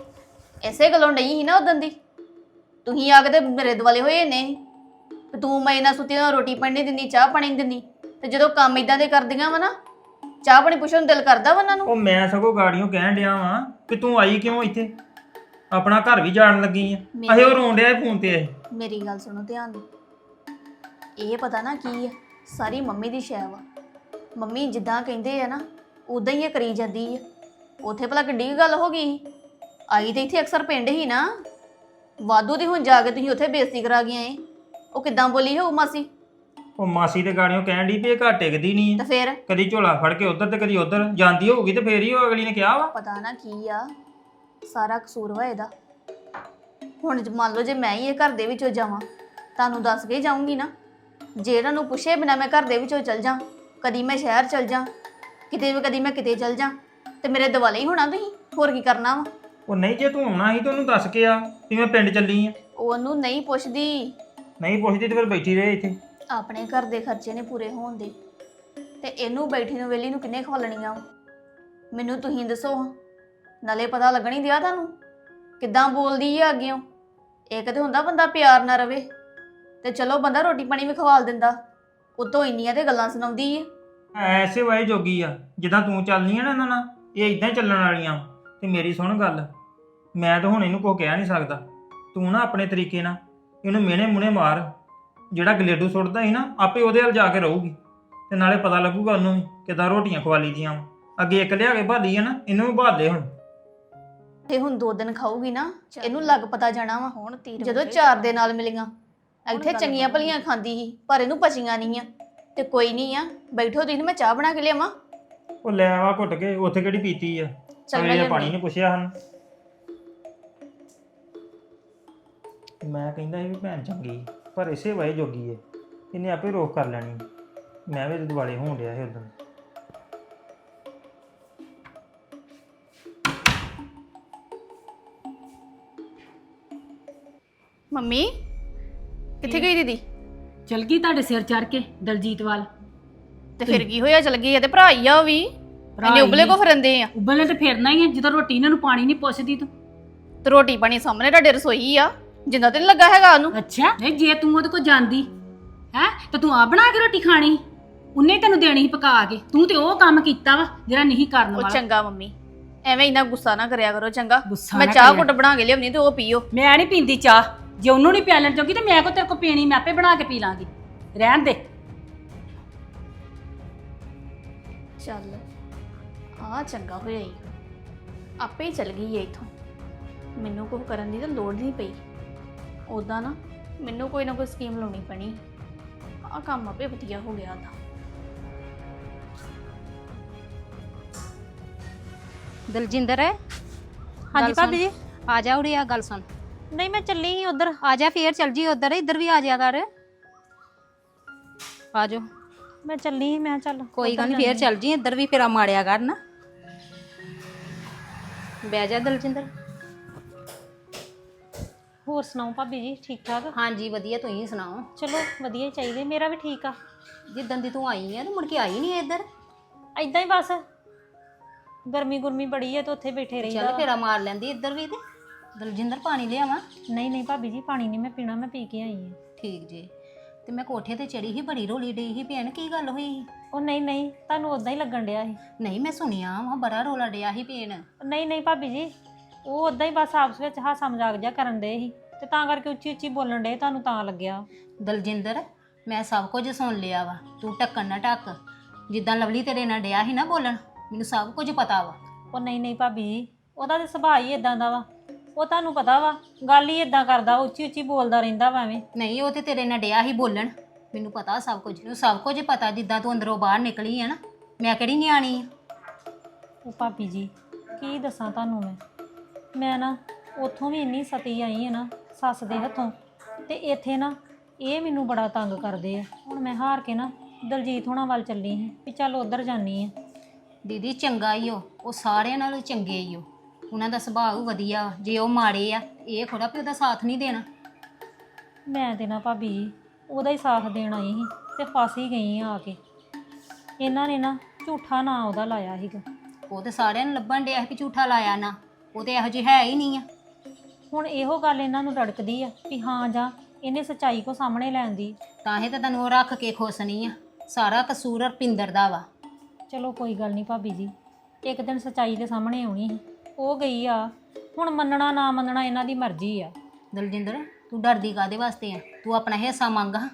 G: ਐਸੇ ਗੱਲੋਂ ਨਹੀਂ ਸੀ ਨਾ ਉਦੋਂ ਦੀ। ਤੁਸੀਂ ਆ ਕੇ ਤੇ ਮੇਰੇ ਦੁਆਲੇ ਹੋਏ ਨੇ ਤੇ ਤੂੰ ਮੈਂ ਨਾ ਸੁੱਤੀ ਨਾ ਰੋਟੀ ਪਾਣੀ ਨਹੀਂ ਦਿੰਦੀ, ਚਾਹ ਪਾਣੀ ਨਹੀਂ ਦਿੰਦੀ। ਤੇ ਜਦੋਂ ਕੰਮ ਇਦਾਂ ਦੇ ਕਰਦੀਆਂ ਵਾ ਨਾ, ਚਾਹ ਪਾਣੀ ਪੁੱਛਣ ਨੂੰ ਦਿਲ ਕਰਦਾ ਵਾ ਉਹਨਾਂ ਨੂੰ।
C: ਉਹ ਮੈਂ ਸਗੋਂ ਗਾੜੀਆਂ ਕਹਿਣ ਡਿਆ ਵਾਂ ਕਿ ਤੂੰ ਆਈ ਕਿਉਂ ਇੱਥੇ, ਆਪਣਾ ਘਰ ਵੀ ਜਾਣ ਲੱਗੀ ਆ। ਅਹੇ ਉਹ ਰੋਣ ਡਿਆ ਫੋਨ ਤੇ।
G: ਮੇਰੀ ਗੱਲ ਸੁਣੋ ਧਿਆਨ ਨਾਲ। ਇਹ ਪਤਾ ਨਾ ਕੀ ਹੈ, ਸਾਰੀ ਮੰਮੀ ਦੀ ਸ਼ੈ ਵਾ। ਮੰਮੀ ਜਿੱਦਾਂ ਕਹਿੰਦੇ ਆ ਨਾ ਉਦਾਂ ਹੀ ਇਹ ਕਰੀ ਜਾਂਦੀ ਆ। ਉੱਥੇ ਭਲਾ ਕਿੱਡੀ ਕੁ ਗੱਲ ਹੋ ਗਈ? ਆਈ ਤੇ ਇੱਥੇ ਅਕਸਰ ਪਿੰਡ ਹੀ ਨਾ, ਵਾਧੂ ਦੀ ਹੁਣ ਜਾ ਕੇ ਤੁਸੀਂ ਉੱਥੇ ਬੇਇੱਜ਼ਤੀ ਕਰਾ ਗਈਆਂ ਏ। ਉਹ ਕਿੱਦਾਂ ਬੋਲੀ ਹੋਊ ਮਾਸੀ?
C: ਉਹ ਮਾਸੀ ਤੇ ਗਾੜੀਆਂ ਕਹਿਣ ਡਈ ਵੀ ਇਹ ਘਰ ਟਿਕਦੀ ਨਹੀਂ
G: ਤੇ
C: ਆ,
G: ਫੇਰ
C: ਕਦੀ ਝੋਲਾ ਫੜ ਕੇ ਉਧਰ ਤੇ ਕਦੀ ਉਧਰ ਜਾਂਦੀ ਹੋਊਗੀ ਤੇ ਫੇਰ ਹੀ ਉਹ ਅਗਲੀ ਨੇ ਕਿਹਾ ਵਾ।
G: ਪਤਾ ਨਾ ਕੀ ਆ, ਸਾਰਾ ਕਸੂਰ ਵਾ ਇਹਦਾ। ਹੁਣ ਮੰਨ ਲਓ ਜੇ ਮੈਂ ਹੀ ਇਹ ਘਰ ਦੇ ਵਿੱਚੋਂ ਜਾਵਾਂ, ਤੁਹਾਨੂੰ ਦੱਸ ਕੇ ਜਾਊਂਗੀ ਨਾ। ਜੇ ਇਹਨਾਂ ਨੂੰ ਪੁੱਛੇ ਬਿਨਾਂ ਮੈਂ ਘਰ ਦੇ ਵਿੱਚੋਂ ਚੱਲ ਜਾਂ, ਕਦੀ ਮੈਂ ਸ਼ਹਿਰ ਚੱਲ ਜਾਂ, ਕਿਤੇ ਵੀ ਕਦੀ ਮੈਂ ਕਿਤੇ ਚੱਲ ਜਾਂ, ਤੇ ਮੇਰੇ ਦਿਵਾਲੇ ਹੀ ਹੋਣਾ ਤੁਸੀਂ। ਹੋਰ ਕੀ ਕਰਨਾ ਵਾ?
C: ਉਹ ਨਹੀਂ ਜੇ ਤੂੰ ਆਉਣਾ ਸੀ ਤਾਂ ਉਹਨੂੰ ਦੱਸ ਕੇ ਆ ਕਿ ਮੈਂ ਪਿੰਡ ਚੱਲੀ ਆ।
G: ਉਹਨੂੰ ਨਹੀਂ ਪੁੱਛਦੀ।
C: ਨਹੀਂ ਪੁੱਛਦੀ ਤੇ ਫਿਰ ਬੈਠੀ ਰਹੇ ਇੱਥੇ।
G: ਆਪਣੇ ਘਰ ਦੇ ਖਰਚੇ ਨੇ ਪੂਰੇ ਹੋਣ ਦੇ, ਤੇ ਇਹਨੂੰ ਬੈਠੀ ਨੂੰ ਵੇਲੀ ਨੂੰ ਕਿੰਨੇ ਖਵਾਲਣੀਆਂ? ਮੈਨੂੰ ਤੁਸੀਂ ਦੱਸੋ। ਨਾਲੇ ਪਤਾ ਲੱਗਣੀ ਦਿਆ ਤੁਹਾਨੂੰ ਕਿੱਦਾਂ ਬੋਲਦੀ ਆ ਅੱਗਿਓਂ। ਇੱਕ ਤੇ ਹੁੰਦਾ ਬੰਦਾ ਪਿਆਰ ਨਾ ਰਵੇ ਤੇ ਚਲੋ ਬੰਦਾ ਰੋਟੀ ਪਾਣੀ ਵੀ ਖਵਾਲ ਦਿੰਦਾ, ਉਤੋਂ ਇੰਨੀਆਂ ਤੇ ਗੱਲਾਂ ਸੁਣਾਉਂਦੀ ਆ।
C: ਐਸੇ ਵਾਏ ਜੋਗੀ ਆ ਜਿੱਦਾਂ ਤੂੰ ਚੱਲਨੀ ਆ ਨਾ ਇਹਨਾਂ ਨਾਲ, ਇਹ ਇਦਾਂ ਹੀ ਚੱਲਣ ਵਾਲੀਆਂ। ਤੇ ਮੇਰੀ ਸੁਣ ਗੱਲ, ਮੈਂ ਤਾਂ ਹੁਣ ਇਹਨੂੰ ਕੁਛ ਕਹਿ ਨਹੀਂ ਸਕਦਾ। ਤੂੰ ਨਾ ਆਪਣੇ ਤਰੀਕੇ ਨਾਲ ਇਹਨੂੰ ਮਿਹਣੇ ਮੁਹਣੇ ਮਾਰ। ਜਿਹੜਾ ਗਲੇਡੂ ਸੁੱਟਦਾ ਸੀ ਨਾ, ਆਪੇ ਉਹਦੇ ਵੱਲ ਜਾ ਕੇ ਰਹੂਗੀ ਤੇ ਨਾਲੇ ਪਤਾ ਲੱਗੂਗਾ ਉਹਨੂੰ ਵੀ ਕਿੱਦਾਂ ਰੋਟੀਆਂ ਖਵਾਲੀ ਦੀਆਂ। ਅੱਗੇ ਇੱਕ ਲਿਆ ਕੇ ਭਾਲੀ ਆ ਨਾ, ਇਹਨੂੰ ਵੀ ਭਾਲ ਦੇ ਹੁਣ।
G: ਤੇ ਹੁਣ 2 ਦਿਨ ਖਾਊਗੀ ਨਾ, ਇਹਨੂੰ ਲੱਗ ਪਤਾ ਜਾਣਾ ਵਾ। ਹੁਣ ਜਦੋਂ 4 ਦੇ ਨਾਲ ਮਿਲੀਆਂ ਇੱਥੇ ਚੰਗੀਆਂ ਭਲੀਆਂ ਖਾਂਦੀ ਸੀ, ਪਰ ਇਹਨੂੰ ਪਚੀਆਂ ਨਹੀਂ ਆ। ਤੇ ਕੋਈ ਨਹੀਂ ਆ, ਬੈਠੋ ਤੁਸੀਂ, ਮੈਂ ਚਾਹ ਬਣਾ ਕੇ ਲਿਆਵਾਂ।
C: ਉਹ ਲੈ ਆਵਾ ਘੁੱਟ ਕੇ, ਉੱਥੇ ਕਿਹੜੀ ਪੀਤੀ ਆ।
G: ਚੱਲ
C: ਅਗਲੇ ਨੇ
G: ਮੈਂ
C: ਪਾਣੀ ਨਹੀਂ ਪੁੱਛਿਆ ਹਨ। ਮੈਂ ਕਹਿੰਦਾ ਸੀ ਵੀ ਭੈਣ ਚੰਗੀ, ਪਰ ਇਸੇ ਵਾਏ ਜੋਗੀ ਏ, ਇਹਨੇ ਆਪੇ ਰੋਕ ਕਰ ਲੈਣੀ। ਮੈਂ ਵੀ ਦੁਆਲੇ ਹੋਣ ਡਿਆ ਸੀ ਉਦੋਂ।
G: ਮੰਮੀ ਕਿੱਥੇ ਗਈ ਦੀਦੀ?
A: ਚਲ ਗਈ ਤੁਹਾਡੇ ਸਿਰ ਚੜ ਕੇ ਦਲਜੀਤ ਵੱਲ।
G: ਤੇ ਫਿਰ ਕੀ ਹੋਇਆ? ਚਲ ਗਈ ਆ ਤੇ ਭਰਾ ਹੀ ਆ ਉਹ ਵੀ। ਇੰਨੇ ਉਬਲੇ ਕੋ ਫਿਰੰਦੇ ਆ।
A: ਉਬਲੇ ਤੇ ਫੇਰਨਾ ਹੀ ਹੈ ਜਦੋਂ ਰੋਟੀ ਇਹਨਾਂ ਨੂੰ ਪਾਣੀ ਨਹੀਂ ਪੁੱਛਦੀ ਤੂੰ।
G: ਤੇ ਰੋਟੀ ਪਾਣੀ ਸਾਹਮਣੇ ਤੁਹਾਡੇ ਰਸੋਈ ਆ, ਜਿੰਦਾ ਤੇ ਨੀ ਲੱਗਾ ਹੈਗਾ ਉਹਨੂੰ।
A: ਅੱਛਾ ਨਹੀਂ, ਜੇ ਤੂੰ ਉਹਦੇ ਕੋਲ ਜਾਂਦੀ ਹੈ ਤੇ ਤੂੰ ਆ ਬਣਾ ਕੇ ਰੋਟੀ ਖਾਣੀ, ਉਹਨੇ ਤੈਨੂੰ ਦੇਣੀ ਸੀ ਪਕਾ ਕੇ। ਤੂੰ ਤੇ ਉਹ ਕੰਮ ਕੀਤਾ ਵਾ ਜਿਹੜਾ ਨਹੀਂ ਕਰਨ
G: ਉਹ
A: ਵਾਲਾ।
G: ਚੰਗਾ ਮੰਮੀ, ਐਵੇਂ ਇੰਨਾ ਗੁੱਸਾ ਨਾ ਕਰਿਆ ਕਰੋ ਚੰਗਾ।
A: ਗੁੱਸਾ
G: ਮੈਂ
A: ਨਾ
G: ਚਾਹ
A: ਕਰਿਆ।
G: ਘੁੱਟ ਬਣਾ ਕੇ ਲਿਆਉਣੀ ਤੇ ਉਹ ਪੀਓ।
A: ਮੈਂ ਨਹੀਂ ਪੀਂਦੀ ਚਾਹ, ਜੇ ਉਹਨੂੰ ਨਹੀਂ ਪਿਆਲਣ ਚੋਗੀ ਤੇ ਮੈਂ ਕੋ ਤੇਰੇ ਕੋ ਪੀਣੀ, ਮੈਂ ਆਪੇ ਬਣਾ ਕੇ ਪੀ ਲਾਂਗੀ। ਰਹਿਣ ਦੇ।
G: ਚੱਲ ਆ ਚੰਗਾ ਹੋਇਆ ਹੀ, ਆਪੇ ਹੀ ਚਲ ਗਈ ਏ ਇਥੋਂ। ਮੈਨੂੰ ਕੁਝ ਕਰਨ ਦੀ ਤਾਂ ਲੋੜ ਨਹੀਂ ਪਈ। ਉਦਾਂ ਨਾ ਮੈਨੂੰ ਕੋਈ ਨਾ ਕੋਈ ਸਕੀਮ ਲਾਉਣੀ ਪੈਣੀ। ਆ ਕੰਮ ਆਪੇ ਵਧੀਆ ਹੋ ਗਿਆ ਉਹਦਾ।
D: ਦਲਜਿੰਦਰ
B: ਹਾਂਜੀ ਭਾਬੀ ਜੀ।
D: ਆ ਜਾ ਉਰੇ, ਆ ਗੱਲ ਸੁਣ।
B: ਨਹੀਂ ਮੈਂ ਚੱਲੀ ਸੀ ਉਧਰ।
D: ਆ ਜਾ ਫੇਰ ਚੱਲ ਜੀ ਉਧਰ, ਇੱਧਰ ਵੀ ਆ ਜਾ ਕਰ। ਆ ਜਾਓ।
B: ਮੈਂ ਚੱਲੀ ਸੀ, ਮੈਂ ਚੱਲ
D: ਕੋਈ ਗੱਲ ਨਹੀਂ, ਫੇਰ ਚੱਲ ਜੀ, ਇੱਧਰ ਵੀ ਫੇਰਾ ਮਾਰਿਆ ਕਰ ਨਾ। ਬਹਿ ਜਾ ਦਲਜਿੰਦਰ।
B: ਹੋਰ ਸੁਣਾਓ ਭਾਬੀ ਜੀ, ਠੀਕ ਠਾਕ?
D: ਹਾਂਜੀ ਵਧੀਆ, ਤੁਸੀਂ ਸੁਣਾਓ।
B: ਚਲੋ ਵਧੀਆ ਹੀ ਚਾਹੀਦੇ, ਮੇਰਾ ਵੀ ਠੀਕ ਆ।
D: ਜਿੱਦਾਂ ਦੀ ਤੂੰ ਆਈ ਆ ਤੇ ਮੁੜ ਕੇ ਆਈ ਨਹੀਂ ਇੱਧਰ।
B: ਐਦਾਂ ਹੀ ਬਸ ਗਰਮੀ ਗੁਰਮੀ ਬੜੀ ਹੈ ਤੇ ਉੱਥੇ ਬੈਠੇ ਰਹੀਦਾ
D: ਚੱਲ
B: ਵਾ।
D: ਫੇਰਾ ਮਾਰ ਲੈਂਦੀ ਇੱਧਰ ਵੀ। ਤੇ ਦਲਜਿੰਦਰ ਪਾਣੀ ਲਿਆਵਾਂ?
B: ਨਹੀਂ ਨਹੀਂ ਭਾਬੀ ਜੀ, ਪਾਣੀ ਨਹੀਂ ਮੈਂ ਪੀਣਾ, ਮੈਂ ਪੀ ਕੇ ਆਈ ਹਾਂ।
D: ਠੀਕ ਜੀ। ਤੇ ਮੈਂ ਕੋਠੇ ਤੇ ਚੜੀ ਸੀ, ਬੜੀ ਰੋਲੀ ਡਈ ਸੀ ਭੈਣ, ਕੀ ਗੱਲ ਹੋਈ ਸੀ?
B: ਉਹ ਨਹੀਂ ਨਹੀਂ, ਤੁਹਾਨੂੰ ਉਦਾਂ ਹੀ ਲੱਗਣ ਡਿਆ ਸੀ।
D: ਨਹੀਂ ਮੈਂ ਸੁਣਿਆ ਵਾ ਬੜਾ ਰੋਲਾ ਡਿਆ ਸੀ ਭੈਣ।
B: ਨਹੀਂ ਨਹੀਂ ਭਾਬੀ ਜੀ, ਉਹ ਉਦਾਂ ਹੀ ਬਸ ਆਪਸ ਵਿੱਚ ਹਾਸਾ ਮਜ਼ਾਕ ਜਿਹਾ ਕਰਨ ਡੇ ਸੀ ਤੇ ਤਾਂ ਕਰਕੇ ਉੱਚੀ ਉੱਚੀ ਬੋਲਣ ਡੇ, ਤੁਹਾਨੂੰ ਤਾਂ ਲੱਗਿਆ।
D: ਦਲਜਿੰਦਰ ਮੈਂ ਸਭ ਕੁਝ ਸੁਣ ਲਿਆ ਵਾ, ਤੂੰ ਢੱਕਣ ਨਾ ਢੱਕ। ਜਿੱਦਾਂ ਲਵਲੀ ਤੇਰੇ ਨਾਲ ਡਿਆ ਸੀ ਨਾ ਬੋਲਣ, ਮੈਨੂੰ ਸਭ ਕੁਝ ਪਤਾ ਵਾ।
B: ਉਹ ਨਹੀਂ ਨਹੀਂ ਭਾਬੀ ਜੀ, ਉਹਦਾ ਤੇ ਸੁਭਾਅ ਹੀ ਇਦਾਂ ਦਾ ਵਾ, ਉਹ ਤੁਹਾਨੂੰ ਪਤਾ ਵਾ, ਗੱਲ ਹੀ ਇਦਾਂ ਕਰਦਾ, ਉੱਚੀ ਉੱਚੀ ਬੋਲਦਾ ਰਹਿੰਦਾ ਵਾ ਐਵੇਂ।
D: ਨਹੀਂ ਉਹ ਤੇ ਤੇਰੇ ਨਾਲ ਡਿਆ ਸੀ ਬੋਲਣ, ਮੈਨੂੰ ਪਤਾ ਸਭ ਕੁਝ, ਮੈਨੂੰ ਸਭ ਕੁਝ ਪਤਾ। ਜਿੱਦਾਂ ਤੂੰ ਅੰਦਰੋਂ ਬਾਹਰ ਨਿਕਲੀ ਆ ਨਾ, ਮੈਂ ਕਿਹੜੀ ਨਿਆਣੀ ਆ।
B: ਉਹ ਭਾਬੀ ਜੀ ਕੀ ਦੱਸਾਂ ਤੁਹਾਨੂੰ, ਮੈਂ ਨਾ ਉੱਥੋਂ ਵੀ ਇੰਨੀ ਸਤੀ ਆਈ ਹੈ ਨਾ ਸੱਸ ਦੇ ਹੱਥੋਂ, ਤੇ ਇੱਥੇ ਨਾ ਇਹ ਮੈਨੂੰ ਬੜਾ ਤੰਗ ਕਰਦੇ ਆ। ਹੁਣ ਮੈਂ ਹਾਰ ਕੇ ਨਾ ਦਲਜੀਤ ਹੋਣਾ ਵੱਲ ਚੱਲੀ ਸੀ ਵੀ ਚੱਲ ਉੱਧਰ ਜਾਨੀ ਆ।
D: ਦੀਦੀ ਚੰਗਾ ਹੀ ਉਹ ਸਾਰਿਆਂ ਨਾਲੋਂ ਚੰਗੇ ਹੀ ਉਹਨਾਂ ਦਾ ਸੁਭਾਅ ਵੀ ਵਧੀਆ ਵਾ। ਜੇ ਉਹ ਮਾੜੇ ਆ, ਇਹ ਥੋੜਾ ਵੀ ਉਹਦਾ ਸਾਥ ਨਹੀਂ ਦੇਣਾ।
B: ਮੈਂ ਤੇ ਨਾ ਭਾਬੀ ਜੀ ਉਹਦਾ ਹੀ ਸਾਥ ਦੇਣ ਆਈ ਸੀ ਤੇ ਫਸ ਹੀ ਗਈ ਆ ਕੇ। ਇਹਨਾਂ ਨੇ ਨਾ ਝੂਠਾ ਨਾਂ ਉਹਦਾ ਲਾਇਆ ਸੀਗਾ।
D: ਉਹ ਤੇ ਸਾਰਿਆਂ ਨੂੰ ਲੱਭਣ ਡਿਆ ਕਿ ਝੂਠਾ ਲਾਇਆ ਨਾ, ਉਹ ਤੇ ਇਹੋ ਜਿਹੀ ਹੈ ਹੀ ਨਹੀਂ ਆ।
B: ਹੁਣ ਇਹੋ ਗੱਲ ਇਹਨਾਂ ਨੂੰ ਰੜਕਦੀ ਆ ਵੀ ਹਾਂ ਜਾਂ ਇਹਨੇ ਸੱਚਾਈ ਕੋ ਸਾਹਮਣੇ ਲੈਣ ਦੀ।
D: ਤਾਂ ਹੀ ਤਾਂ ਤੈਨੂੰ ਉਹ ਰੱਖ ਕੇ ਖੁਸ਼ ਨਹੀਂ ਆ। ਸਾਰਾ ਕਸੂਰ ਰਪਿੰਦਰ ਦਾ ਵਾ।
B: ਚਲੋ ਕੋਈ ਗੱਲ ਨਹੀਂ ਭਾਬੀ ਜੀ, ਇੱਕ ਦਿਨ ਸੱਚਾਈ ਦੇ ਸਾਹਮਣੇ ਆਉਣੀ ਸੀ, ਉਹ ਗਈ ਆ। ਹੁਣ ਮੰਨਣਾ ਨਾ ਮੰਨਣਾ ਇਹਨਾਂ ਦੀ ਮਰਜ਼ੀ ਆ।
D: ਦਲਜਿੰਦਰ ਤੂੰ ਡਰਦੀ ਕਾਹਦੇ ਵਾਸਤੇ ਆ? ਤੂੰ ਆਪਣਾ ਹਿੱਸਾ ਮੰਗ ਹਾਂ,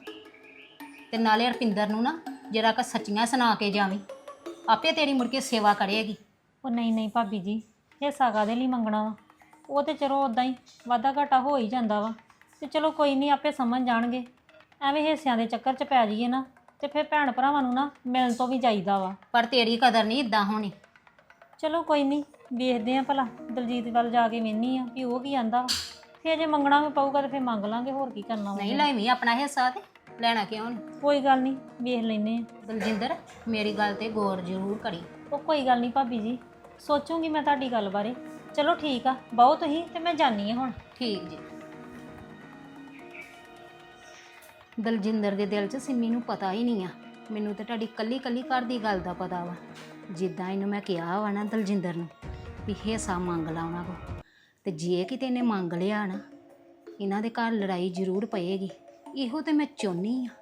D: ਤੇ ਨਾਲੇ ਰਪਿੰਦਰ ਨੂੰ ਨਾ ਜਰਾ ਕ ਸੱਚੀਆਂ ਸੁਣਾ ਕੇ ਜਾਵੀਂ, ਆਪੇ ਤੇਰੀ ਮੁੜ ਕੇ ਸੇਵਾ ਕਰੇਗੀ।
B: ਉਹ ਨਹੀਂ ਨਹੀਂ ਭਾਬੀ ਜੀ, ਹਿੱਸਾ ਕਾਹਦੇ ਲਈ ਮੰਗਣਾ ਵਾ? ਉਹ ਤੇ ਚਲੋ ਉਦਾਂ ਹੀ ਵਾਧਾ ਘਾਟਾ ਹੋ ਹੀ ਜਾਂਦਾ ਵਾ, ਤੇ ਚਲੋ ਕੋਈ ਨਹੀਂ, ਆਪੇ ਸਮਝ ਜਾਣਗੇ। ਐਵੇਂ ਹਿੱਸਿਆਂ ਦੇ ਚੱਕਰ 'ਚ ਪੈ ਜਾਈਏ ਨਾ ਤੇ ਫਿਰ ਭੈਣ ਭਰਾਵਾਂ ਨੂੰ ਨਾ ਮਿਲਣ ਤੋਂ ਵੀ ਜਾਈਦਾ ਵਾ।
D: ਪਰ ਤੇਰੀ ਕਦਰ ਨਹੀਂ ਇਦਾਂ ਹੋਣੀ।
B: ਚਲੋ ਕੋਈ ਨਹੀਂ, ਵੇਖਦੇ ਆ ਭਲਾ ਦਲਜੀਤ ਵੱਲ ਜਾ ਕੇ ਵੇਖਨੀ ਆ ਵੀ ਉਹ ਕੀ ਆਂਦਾ ਵਾ। ਫਿਰ ਜੇ ਮੰਗਣਾ ਵੀ ਪਊਗਾ ਤੇ ਫਿਰ ਮੰਗ ਲਾਂਗੇ, ਹੋਰ ਕੀ ਕਰਨਾ ਵਾ।
D: ਨਹੀਂ ਲੈਵੀਂ ਆਪਣਾ ਹਿੱਸਾ, ਤੇ ਲੈਣਾ ਕਿਉਂ ਨਹੀਂ?
B: ਕੋਈ ਗੱਲ ਨਹੀਂ, ਵੇਖ ਲੈਨੇ ਆ।
D: ਦਲਜਿੰਦਰ ਮੇਰੀ ਗੱਲ ਤੇ ਗੌਰ ਜ਼ਰੂਰ ਕਰੀ।
B: ਉਹ ਕੋਈ ਗੱਲ ਨਹੀਂ ਭਾਬੀ ਜੀ, ਸੋਚੂਗੀ ਮੈਂ ਤੁਹਾਡੀ ਗੱਲ ਬਾਰੇ। ਚਲੋ ਠੀਕ ਆ, ਬਹੁਤ ਹੀ ਤੇ ਮੈਂ ਜਾਨੀ ਆ ਹੁਣ।
D: ਠੀਕ ਜੀ। ਦਲਜਿੰਦਰ ਦੇ ਦਿਲ 'ਚ ਸਿੰਮੀ ਨੂੰ ਪਤਾ ਹੀ ਨਹੀਂ ਆ। ਮੈਨੂੰ ਤਾਂ ਤੁਹਾਡੀ ਕੱਲੀ ਕੱਲੀ ਘਰ ਦੀ ਗੱਲ ਦਾ ਪਤਾ ਵਾ। ਜਿੱਦਾਂ ਇਹਨੂੰ ਮੈਂ ਕਿਹਾ ਵਾ ਨਾ ਦਲਜਿੰਦਰ ਨੂੰ ਵੀ ਹਿੱਸਾ ਮੰਗ ਲਾ ਉਹਨਾਂ ਕੋਲ, ਤੇ ਜੇ ਕਿਤੇ ਇਹਨੇ ਮੰਗ ਲਿਆ ਨਾ, ਇਹਨਾਂ ਦੇ ਘਰ ਲੜਾਈ ਜ਼ਰੂਰ ਪਏਗੀ। ਇਹੋ ਤੇ ਮੈਂ ਚਾਹੁੰਦੀ ਆ।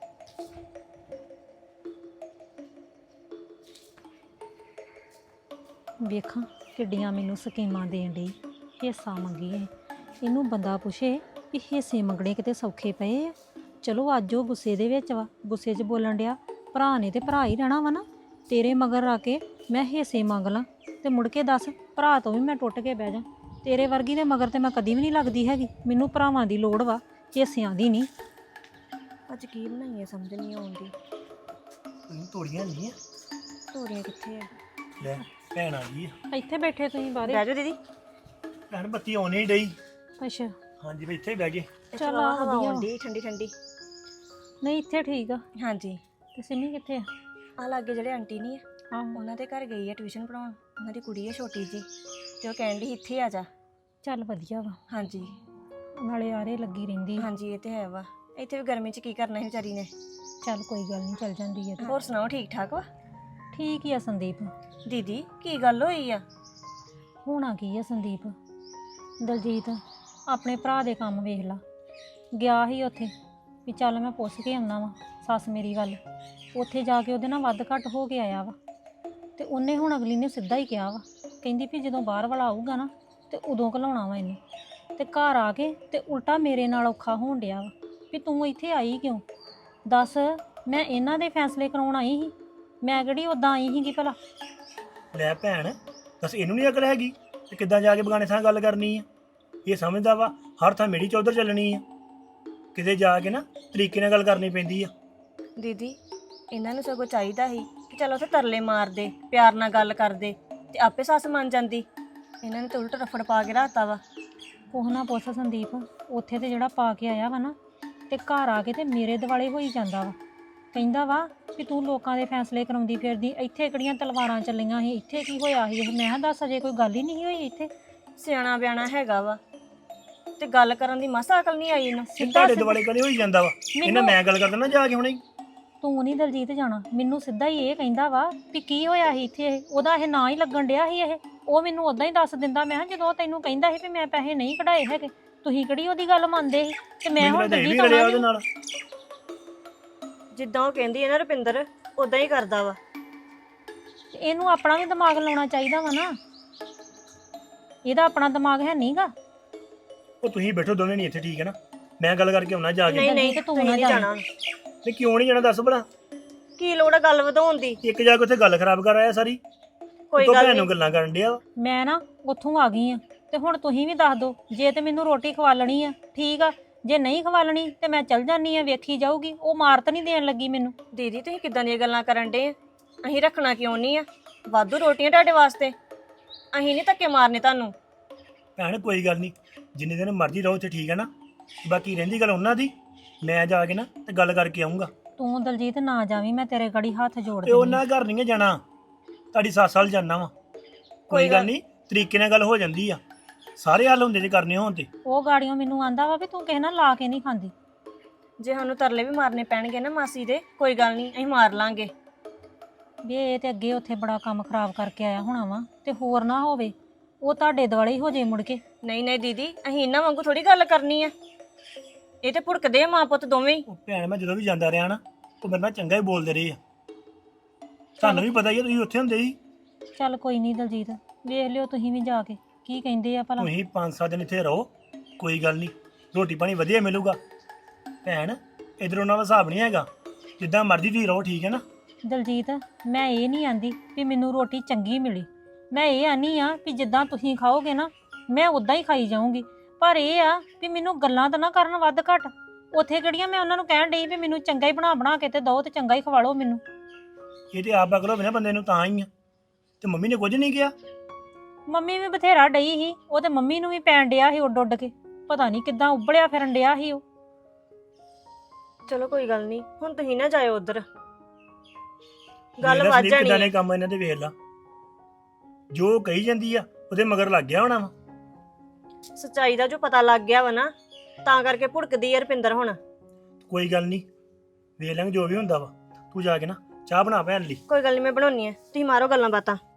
B: ਵੇਖਾਂ ਕਿੱਡੀਆਂ ਮੈਨੂੰ ਸਕੀਮਾਂ ਦੇਣ ਡਈ, ਹਿੱਸਾ ਮੰਗੀਏ। ਇਹਨੂੰ ਬੰਦਾ ਪੁੱਛੇ ਵੀ ਹਿੱਸੇ ਮੰਗਣੇ ਕਿਤੇ ਸੌਖੇ ਪਏ ਆ? ਚਲੋ ਅੱਜ ਉਹ ਗੁੱਸੇ ਦੇ ਵਿੱਚ ਵਾ, ਗੁੱਸੇ 'ਚ ਬੋਲਣ ਡਿਆ। ਭਰਾ ਨੇ ਤੇ ਭਰਾ ਹੀ ਰਹਿਣਾ ਵਾ ਨਾ। ਤੇਰੇ ਮਗਰ ਆ ਕੇ ਮੈਂ ਹਿੱਸੇ ਮੰਗ ਲਾਂ ਤੇ ਮੁੜ ਕੇ ਦੱਸ ਭਰਾ ਤੋਂ ਵੀ ਮੈਂ ਟੁੱਟ ਕੇ ਬਹਿ ਜਾ। ਤੇਰੇ ਵਰਗੀ ਦੇ ਮਗਰ ਤੇ ਮੈਂ ਕਦੀ ਵੀ ਨਹੀਂ ਲੱਗਦੀ ਹੈਗੀ। ਮੈਨੂੰ ਭਰਾਵਾਂ ਦੀ ਲੋੜ ਵਾ, ਹਿੱਸਿਆਂ ਦੀ ਨਹੀਂ।
F: ਅੱਜ ਕੀ ਬਣਾਈਏ ਸਮਝ ਨਹੀਂ ਆਉਂਦੀ।
E: ਤੂੰ ਤੋੜੀਆਂ ਨਹੀਂ ਆ?
F: ਤੋਰੀਆਂ ਕਿੱਥੇ ਆ?
E: ਲੈ ਭੈਣ ਆ ਗਈ ਆ।
B: ਇੱਥੇ ਬੈਠੇ ਤੁਸੀਂ ਬਾਹਰੇ?
F: ਬਹਿ ਜਾਓ ਦੀਦੀ।
E: ਭੈਣ ਬੱਤੀ ਆਉਣੀ ਹੀ ਡਈ।
B: ਅੱਛਾ
E: ਹਾਂਜੀ ਵੀ ਇੱਥੇ ਹੀ ਬਹਿ ਗਏ।
B: ਚੱਲ ਆ
F: ਹਵਾ
B: ਵਧੀਆ।
F: ਆਉਂਦੀ ਠੰਡੀ ਠੰਡੀ।
B: ਨਹੀਂ ਇੱਥੇ ਠੀਕ ਆ।
F: ਹਾਂਜੀ,
B: ਤੇ ਸਿੰਮੀ ਕਿੱਥੇ ਆ?
F: ਆ ਲਾਗੇ ਜਿਹੜੇ ਆਂਟੀ ਨਹੀਂ ਆ,
B: ਆਹੋ
F: ਉਹਨਾਂ ਦੇ ਘਰ ਗਈ ਆ ਟਿਊਸ਼ਨ ਪੜਾਉਣ। ਉਹਨਾਂ ਦੀ ਕੁੜੀ ਆ ਛੋਟੀ ਜੀ, ਤੇ ਉਹ ਕਹਿਣ ਡਈ ਇੱਥੇ ਆ ਜਾ।
B: ਚੱਲ ਵਧੀਆ ਵਾ,
F: ਹਾਂਜੀ
B: ਨਾਲੇ ਆਰੇ ਲੱਗੀ ਰਹਿੰਦੀ ਆ।
F: ਹਾਂਜੀ, ਇਹ ਤੇ ਹੈ ਵਾ। ਇੱਥੇ ਵੀ ਗਰਮੀ 'ਚ ਕੀ ਕਰਨਾ ਸੀ ਵਿਚਾਰੀ ਨੇ।
B: ਚੱਲ ਕੋਈ ਗੱਲ ਨਹੀਂ, ਚੱਲ ਜਾਂਦੀ ਆ ਤੇ।
F: ਹੋਰ ਸੁਣਾਓ, ਠੀਕ ਠਾਕ ਵਾ?
B: ਠੀਕ ਹੀ ਆ ਸੰਦੀਪ।
F: ਦੀਦੀ ਕੀ ਗੱਲ ਹੋਈ ਆ?
B: ਹੋਣਾ ਕੀ ਆ ਸੰਦੀਪ, ਦਲਜੀਤ ਆਪਣੇ ਭਰਾ ਦੇ ਕੰਮ ਵੇਖ ਲਾ ਗਿਆ ਸੀ ਉੱਥੇ ਵੀ ਚੱਲ ਮੈਂ ਪੁੱਛ ਕੇ ਆਉਣਾ ਵਾ ਸੱਸ ਮੇਰੀ ਗੱਲ। ਉੱਥੇ ਜਾ ਕੇ ਉਹਦੇ ਨਾਲ ਵੱਧ ਘੱਟ ਹੋ ਕੇ ਆਇਆ ਵਾ, ਤੇ ਉਹਨੇ ਹੁਣ ਅਗਲੀ ਨੇ ਸਿੱਧਾ ਹੀ ਕਿਹਾ ਵਾ, ਕਹਿੰਦੀ ਵੀ ਜਦੋਂ ਬਾਹਰ ਵਾਲਾ ਆਊਗਾ ਨਾ ਤੇ ਉਦੋਂ ਘਲਾਉਣਾ ਵਾ ਇਹਨੂੰ। ਤੇ ਘਰ ਆ ਕੇ ਤੇ ਉਲਟਾ ਮੇਰੇ ਨਾਲ ਔਖਾ ਹੋਣ ਡਿਆ ਵਾ ਵੀ ਤੂੰ ਇੱਥੇ ਆਈ ਕਿਉਂ? ਦੱਸ, ਮੈਂ ਇਹਨਾਂ ਦੇ ਫੈਸਲੇ ਕਰਾਉਣ ਆਈ ਸੀ, ਮੈਂ ਕਿਹੜੀ ਉਦਾਂ ਆਈ ਸੀਗੀ ਭਲਾ?
E: ਲੈ ਭੈਣ ਦੱਸ, ਇਹਨੂੰ ਨਹੀਂ ਅਕਲ ਹੈਗੀ ਤੇ ਕਿੱਦਾਂ ਜਾ ਕੇ ਬਗਾਨੇ ਥਾਂ ਗੱਲ ਕਰਨੀ ਆ? ਇਹ ਸਮਝਦਾ ਵਾ ਹਰ ਥਾਂ ਮੇਰੀ ਚੌਧਰ ਚੱਲਣੀ ਆ। ਕਿਤੇ ਜਾ ਕੇ ਨਾ ਤਰੀਕੇ ਨਾਲ ਗੱਲ ਕਰਨੀ ਪੈਂਦੀ ਆ।
F: ਦੀਦੀ ਇਹਨਾਂ ਨੂੰ ਸਗੋਂ ਚਾਹੀਦਾ ਸੀ ਕਿ ਚਲੋ ਉੱਥੇ ਤਰਲੇ ਮਾਰਦੇ, ਪਿਆਰ ਨਾਲ ਗੱਲ ਕਰਦੇ, ਤੇ ਆਪੇ ਸੱਸ ਮੰਨ ਜਾਂਦੀ। ਇਹਨਾਂ ਨੇ ਤਾਂ ਉਲਟ ਰਫੜ ਪਾ ਕੇ ਰਾਤਾ ਵਾ।
B: ਕੁਛ ਨਾ ਪੁੱਛ ਸੰਦੀਪ, ਉੱਥੇ ਤੇ ਜਿਹੜਾ ਪਾ ਕੇ ਆਇਆ ਵਾ ਨਾ, ਤੇ ਘਰ ਆ ਕੇ ਤੇ ਮੇਰੇ ਦਿਵਾਲੇ ਹੋਈ ਜਾਂਦਾ ਵਾ ਕਹਿੰਦਾ ਵਾ ਵੀ ਤੂੰ ਲੋਕਾਂ ਦੇ ਫੈਸਲੇ ਕਰਾਉਂਦੀ ਫਿਰਦੀ, ਇੱਥੇ ਕਿਹੜੀਆਂ ਤਲਵਾਰਾਂ ਚੱਲੀਆਂ ਸੀ, ਇੱਥੇ ਕੀ ਹੋਇਆ ਸੀ ਇਹ। ਮੈਂ ਕਿਹਾ ਦੱਸ, ਅਜੇ ਕੋਈ ਗੱਲ ਹੀ ਨਹੀਂ ਹੋਈ ਇੱਥੇ।
F: ਸਿਆਣਾ ਬਿਆਣਾ ਹੈਗਾ ਵਾ ਤੇ ਗੱਲ ਕਰਨ ਦੀ ਮਸਾ ਅਕਲ ਨਹੀਂ ਆਈ ਇਹਨੂੰ।
E: ਇਹ ਤੁਹਾਡੇ ਦੁਆਲੇ ਕਦੇ ਹੋਈ ਜਾਂਦਾ ਵਾ ਇਹਨਾਂ ਮੈਂ ਗੱਲ ਕਰਦਾ ਨਾ ਜਾ ਕੇ ਹੁਣੇ।
B: ਤੂੰ ਨਹੀਂ ਦਲਜੀਤ ਜਾਣਾ, ਮੈਨੂੰ ਸਿੱਧਾ ਹੀ ਇਹ ਕਹਿੰਦਾ ਵਾ ਵੀ ਕੀ ਹੋਇਆ ਸੀ ਇੱਥੇ ਇਹ, ਉਹਦਾ ਇਹ ਨਾਂ ਹੀ ਲੱਗਣ ਡਿਆ ਸੀ ਇਹ। ਉਹ ਮੈਨੂੰ ਉਦਾਂ ਹੀ ਦੱਸ ਦਿੰਦਾ। ਮੈਂ ਕਿਹਾ ਜਦੋਂ ਤੈਨੂੰ ਕਹਿੰਦਾ ਸੀ ਵੀ ਮੈਂ ਪੈਸੇ ਨਹੀਂ ਕਢਾਏ ਹੈਗੇ, ਤੁਸੀਂ ਕਿਹੜੀ ਉਹਦੀ ਗੱਲ ਮੰਨਦੇ ਸੀ? ਤੇ ਮੈਂ ਹੁਣ
E: ਦਲਜੀਤ
B: ਦਲਜੀਤ
E: ਉਹਦੇ
B: ਆਉਣਾ
E: ਨਾਲ
F: ਜਿੱਦਾਂ ਉਹ ਕਹਿੰਦੀ ਹੈ ਨਾ ਰੁਪਿੰਦਰ, ਉਦਾਂ ਹੀ ਕਰਦਾ ਵਾ।
B: ਇਹਨੂੰ ਆਪਣਾ ਵੀ ਦਿਮਾਗ ਲਾਉਣਾ ਚਾਹੀਦਾ ਵਾ ਨਾ, ਇਹਦਾ ਆਪਣਾ ਦਿਮਾਗ ਹੈ ਨਹੀਂਗਾ।
E: ਉਹ ਤੁਸੀਂ ਬੈਠੋ ਦੋਵੇਂ ਨਹੀਂ ਇੱਥੇ, ਠੀਕ ਹੈ ਨਾ? ਮੈਂ ਗੱਲ ਕਰਕੇ ਆਉਣਾ ਜਾ ਕੇ।
F: ਨਹੀਂ ਨਹੀਂ
B: ਤੇ ਤੂੰ
F: ਤੁਸੀਂ
B: ਨਾ
F: ਨਹੀਂ ਜਾਣਾ।
E: ਤੇ ਕਿਉਂ ਨਹੀਂ ਜਾਣਾ ਦੱਸ ਭਲਾ?
F: ਕੀ ਲੋੜ ਆ ਗੱਲ ਵਧਾਉਣ ਦੀ?
E: ਇੱਕ ਜਾ ਕੇ ਉੱਥੇ ਗੱਲ ਖਰਾਬ ਕਰ ਆਇਆ ਸਾਰੀ।
F: ਕੋਈ
E: ਤੂੰ
F: ਗੱਲ
E: ਭੈਣ
F: ਨਹੀਂ।
E: ਨੂੰ ਗੱਲਾਂ ਕਰਨ ਡਿਆ ਵਾ।
B: ਮੈਂ ਨਾ ਉੱਥੋਂ ਆ ਗਈ ਆ, ਤੇ ਹੁਣ ਤੁਸੀਂ ਵੀ ਦੱਸ ਦਿਓ, ਜੇ ਤੇ ਮੈਨੂੰ ਰੋਟੀ ਖਵਾਲਣੀ ਆ ਠੀਕ ਆ, ਜੇ ਨਹੀਂ ਖਵਾਲਣੀ ਤੇ ਮੈਂ ਚੱਲ ਜਾਨੀ ਆ, ਵੇਖੀ ਜਾਊਗੀ। ਉਹ ਮਾਰ ਤਾਂ ਨਹੀਂ ਦੇਣ ਲੱਗੀ ਮੈਨੂੰ।
F: ਦੀਦੀ ਤੁਸੀਂ ਕਿੱਦਾਂ ਦੀਆਂ ਗੱਲਾਂ ਕਰਨ ਡੇ? ਅਸੀਂ ਰੱਖਣਾ ਕਿਉਂ ਨਹੀਂ ਆ? ਵਾਧੂ ਰੋਟੀਆਂ ਤੁਹਾਡੇ ਵਾਸਤੇ, ਅਸੀਂ ਨਹੀਂ ਧੱਕੇ ਮਾਰਨੇ ਤੁਹਾਨੂੰ।
E: ਭੈਣ ਕੋਈ ਗੱਲ ਨਹੀਂ, ਜਿੰਨੇ ਦਿਨ ਮਰਜ਼ੀ ਰਹੋ ਇੱਥੇ, ਠੀਕ ਹੈ ਨਾ? ਬਾਕੀ ਰਹਿੰਦੀ ਗੱਲ ਉਹਨਾਂ ਦੀ, ਮੈਂ ਜਾ ਕੇ ਨਾ ਤੇ ਗੱਲ ਕਰਕੇ ਆਉਂਗਾ।
B: ਤੂੰ ਦਲਜੀਤ ਨਾ ਜਾਵੀਂ, ਮੈਂ ਤੇਰੇ ਗੜੀ ਹੱਥ ਜੋੜ
E: ਤੇ
B: ਦਿੰਦੀ
E: ਉਹਨਾਂ ਘਰ ਨਹੀਂ ਜਾਣਾ, ਤੁਹਾਡੀ ਸੱਸ ਵੱਲ ਜਾਣਾ ਵਾ। ਕੋਈ ਗੱਲ ਨਹੀਂ, ਤਰੀਕੇ ਨਾਲ ਗੱਲ ਹੋ ਜਾਂਦੀ ਆ, ਸਾਰੇ ਹੱਲ ਹੁੰਦੇ ਜੇ ਕਰਨੇ ਹੋਣ ਤੇ।
B: ਉਹ ਗਾੜੀਆਂ ਮੈਨੂੰ ਆਂਦਾ ਵਾ ਵੀ ਤੂੰ ਕਿਸੇ ਨਾਲ ਲਾ ਕੇ ਨਹੀਂ ਖਾਂਦੀ।
F: ਜੇ ਸਾਨੂੰ ਤਰਲੇ ਵੀ ਮਾਰਨੇ ਪੈਣਗੇ ਨਾ ਮਾਸੀ ਦੇ, ਕੋਈ ਗੱਲ ਨਹੀਂ, ਅਸੀਂ ਮਾਰ ਲਾਂਗੇ।
B: ਵੀ ਇਹ ਤੇ ਅੱਗੇ ਉੱਥੇ ਬੜਾ ਕੰਮ ਖਰਾਬ ਕਰਕੇ ਆਇਆ ਹੋਣਾ ਵਾ, ਤੇ ਹੋਰ ਨਾ ਹੋਵੇ ਉਹ ਤੁਹਾਡੇ ਦੁਆਲੇ ਹੀ ਹੋ ਜੇ ਮੁੜ ਕੇ।
F: ਨਹੀਂ ਨਹੀਂ ਦੀਦੀ, ਅਸੀਂ ਇਹਨਾਂ ਵਾਂਗੂ ਥੋੜੀ ਗੱਲ ਕਰਨੀ ਆ। ਇਹ ਤੇ ਭੁੜਕਦੇ ਆ ਮਾਂ ਪੁੱਤ ਦੋਵੇਂ ਹੀ।
E: ਉਹ ਭੈਣ ਮੈਂ ਜਦੋਂ ਵੀ ਜਾਂਦਾ ਰਿਹਾ ਨਾ, ਉਹ ਮੇਰੇ ਨਾਲ ਚੰਗਾ ਹੀ ਬੋਲਦੇ ਰਹੇ ਆ। ਤੁਹਾਨੂੰ ਵੀ ਪਤਾ ਹੀ ਆ, ਤੁਸੀਂ ਉੱਥੇ ਹੁੰਦੇ ਸੀ।
B: ਚੱਲ ਕੋਈ ਨਹੀਂ ਦਲਜੀਤ, ਵੇਖ ਲਿਓ ਤੁਸੀਂ ਵੀ ਜਾ ਕੇ ਕੀ ਕਹਿੰਦੇ ਆ ਭਲਾ।
E: ਤੁਸੀਂ 5-7 ਦਿਨ ਇੱਥੇ ਰਹੋ, ਕੋਈ ਗੱਲ ਨਹੀਂ, ਰੋਟੀ ਪਾਣੀ ਵਧੀਆ ਮਿਲੂਗਾ। ਭੈਣ ਇਧਰ ਉਹਨਾਂ ਦਾ ਹਿਸਾਬ ਨਹੀਂ ਹੈਗਾ, ਜਿੱਦਾਂ ਮਰਜ਼ੀ ਤੁਸੀਂ ਰਹੋ, ਠੀਕ ਹੈ ਨਾ?
B: ਦਲਜੀਤ ਮੈਂ ਇਹ ਨਹੀਂ ਆਂਦੀ ਵੀ ਮੈਨੂੰ ਰੋਟੀ ਚੰਗੀ ਮਿਲੀ, ਮੈਂ ਇਹ ਆਨੀ ਆ ਵੀ ਜਿੱਦਾਂ ਤੁਸੀਂ ਖਾਓਗੇ ਨਾ ਮੈਂ ਉਦਾਂ ਹੀ ਖਾਈ ਜਾਊਂਗੀ। ਪਰ ਇਹ ਆ ਵੀ ਮੈਨੂੰ ਗੱਲਾਂ ਤਾਂ ਨਾ ਕਰਨ ਵੱਧ ਘੱਟ। ਉੱਥੇ ਕਿਹੜੀਆਂ ਮੈਂ ਉਹਨਾਂ ਨੂੰ ਕਹਿਣ ਡਈ ਵੀ ਮੈਨੂੰ ਚੰਗਾ ਹੀ ਬਣਾ ਕੇ ਤੇ ਦਿਓ ਤੇ ਚੰਗਾ ਹੀ ਖਵਾ ਲਓ ਮੈਨੂੰ।
E: ਇਹ ਤੇ ਆਪ ਅਕਲ ਹੋਵੇ ਨਾ ਬੰਦੇ ਨੂੰ ਤਾਂ ਹੀ ਆ। ਤੇ ਮੰਮੀ ਨੇ ਕੁਝ ਨਹੀਂ ਕਿਹਾ?
B: ਮੰਮੀ ਵੀ ਬਥੇਰਾ ਡਈ ਸੀ, ਉਹ ਤੇ ਮੰਮੀ ਨੂੰ ਵੀ ਪੈਣ ਡਿਆ ਸੀ ਉੱਡ ਉੱਡ ਕੇ, ਪਤਾ ਨਹੀਂ ਕਿੱਦਾਂ ਉਬਲਿਆ ਫਿਰਨ ਡਿਆ ਸੀ ਉਹ।
F: ਚਲੋ ਕੋਈ ਗੱਲ ਨਹੀਂ, ਹੁਣ ਤੁਸੀਂ ਨਾ ਜਾਇਓ ਉਧਰ, ਗੱਲ ਵੱਧ
E: ਕਿੱਦਾਂ
F: ਜਾਣੀ
E: ਨੇ
F: ਹੈ।
E: ਕੰਮ ਇਹਨਾਂ ਦੇ ਵੇਖ ਲਾ, ਜੋ ਕਹੀ ਜਾਂਦੀ ਆ ਉਹਦੇ ਮਗਰ ਲੱਗ ਗਿਆ ਹੋਣਾ ਵਾ।
F: ਸੱਚਾਈ ਦਾ ਜੋ ਪਤਾ ਲੱਗ ਗਿਆ ਵਾ ਨਾ, ਤਾਂ ਕਰਕੇ ਭੁੜਕਦੀ ਆ ਰੁਪਿੰਦਰ ਹੁਣ।
E: ਕੋਈ ਗੱਲ ਨਹੀਂ, ਵੇਖ ਲਾਂਗੇ ਜੋ ਵੀ ਹੁੰਦਾ ਵਾ। ਤੂੰ ਜਾ ਕੇ ਨਾ ਚਾਹ ਬਣਾ ਭੈਣ ਲਈ।
F: ਕੋਈ ਗੱਲ ਨਹੀਂ, ਮੈਂ ਬਣਾਉਣੀ ਆ, ਤੁਸੀਂ ਮਾਰੋ ਗੱਲਾਂ ਬਾਤਾਂ।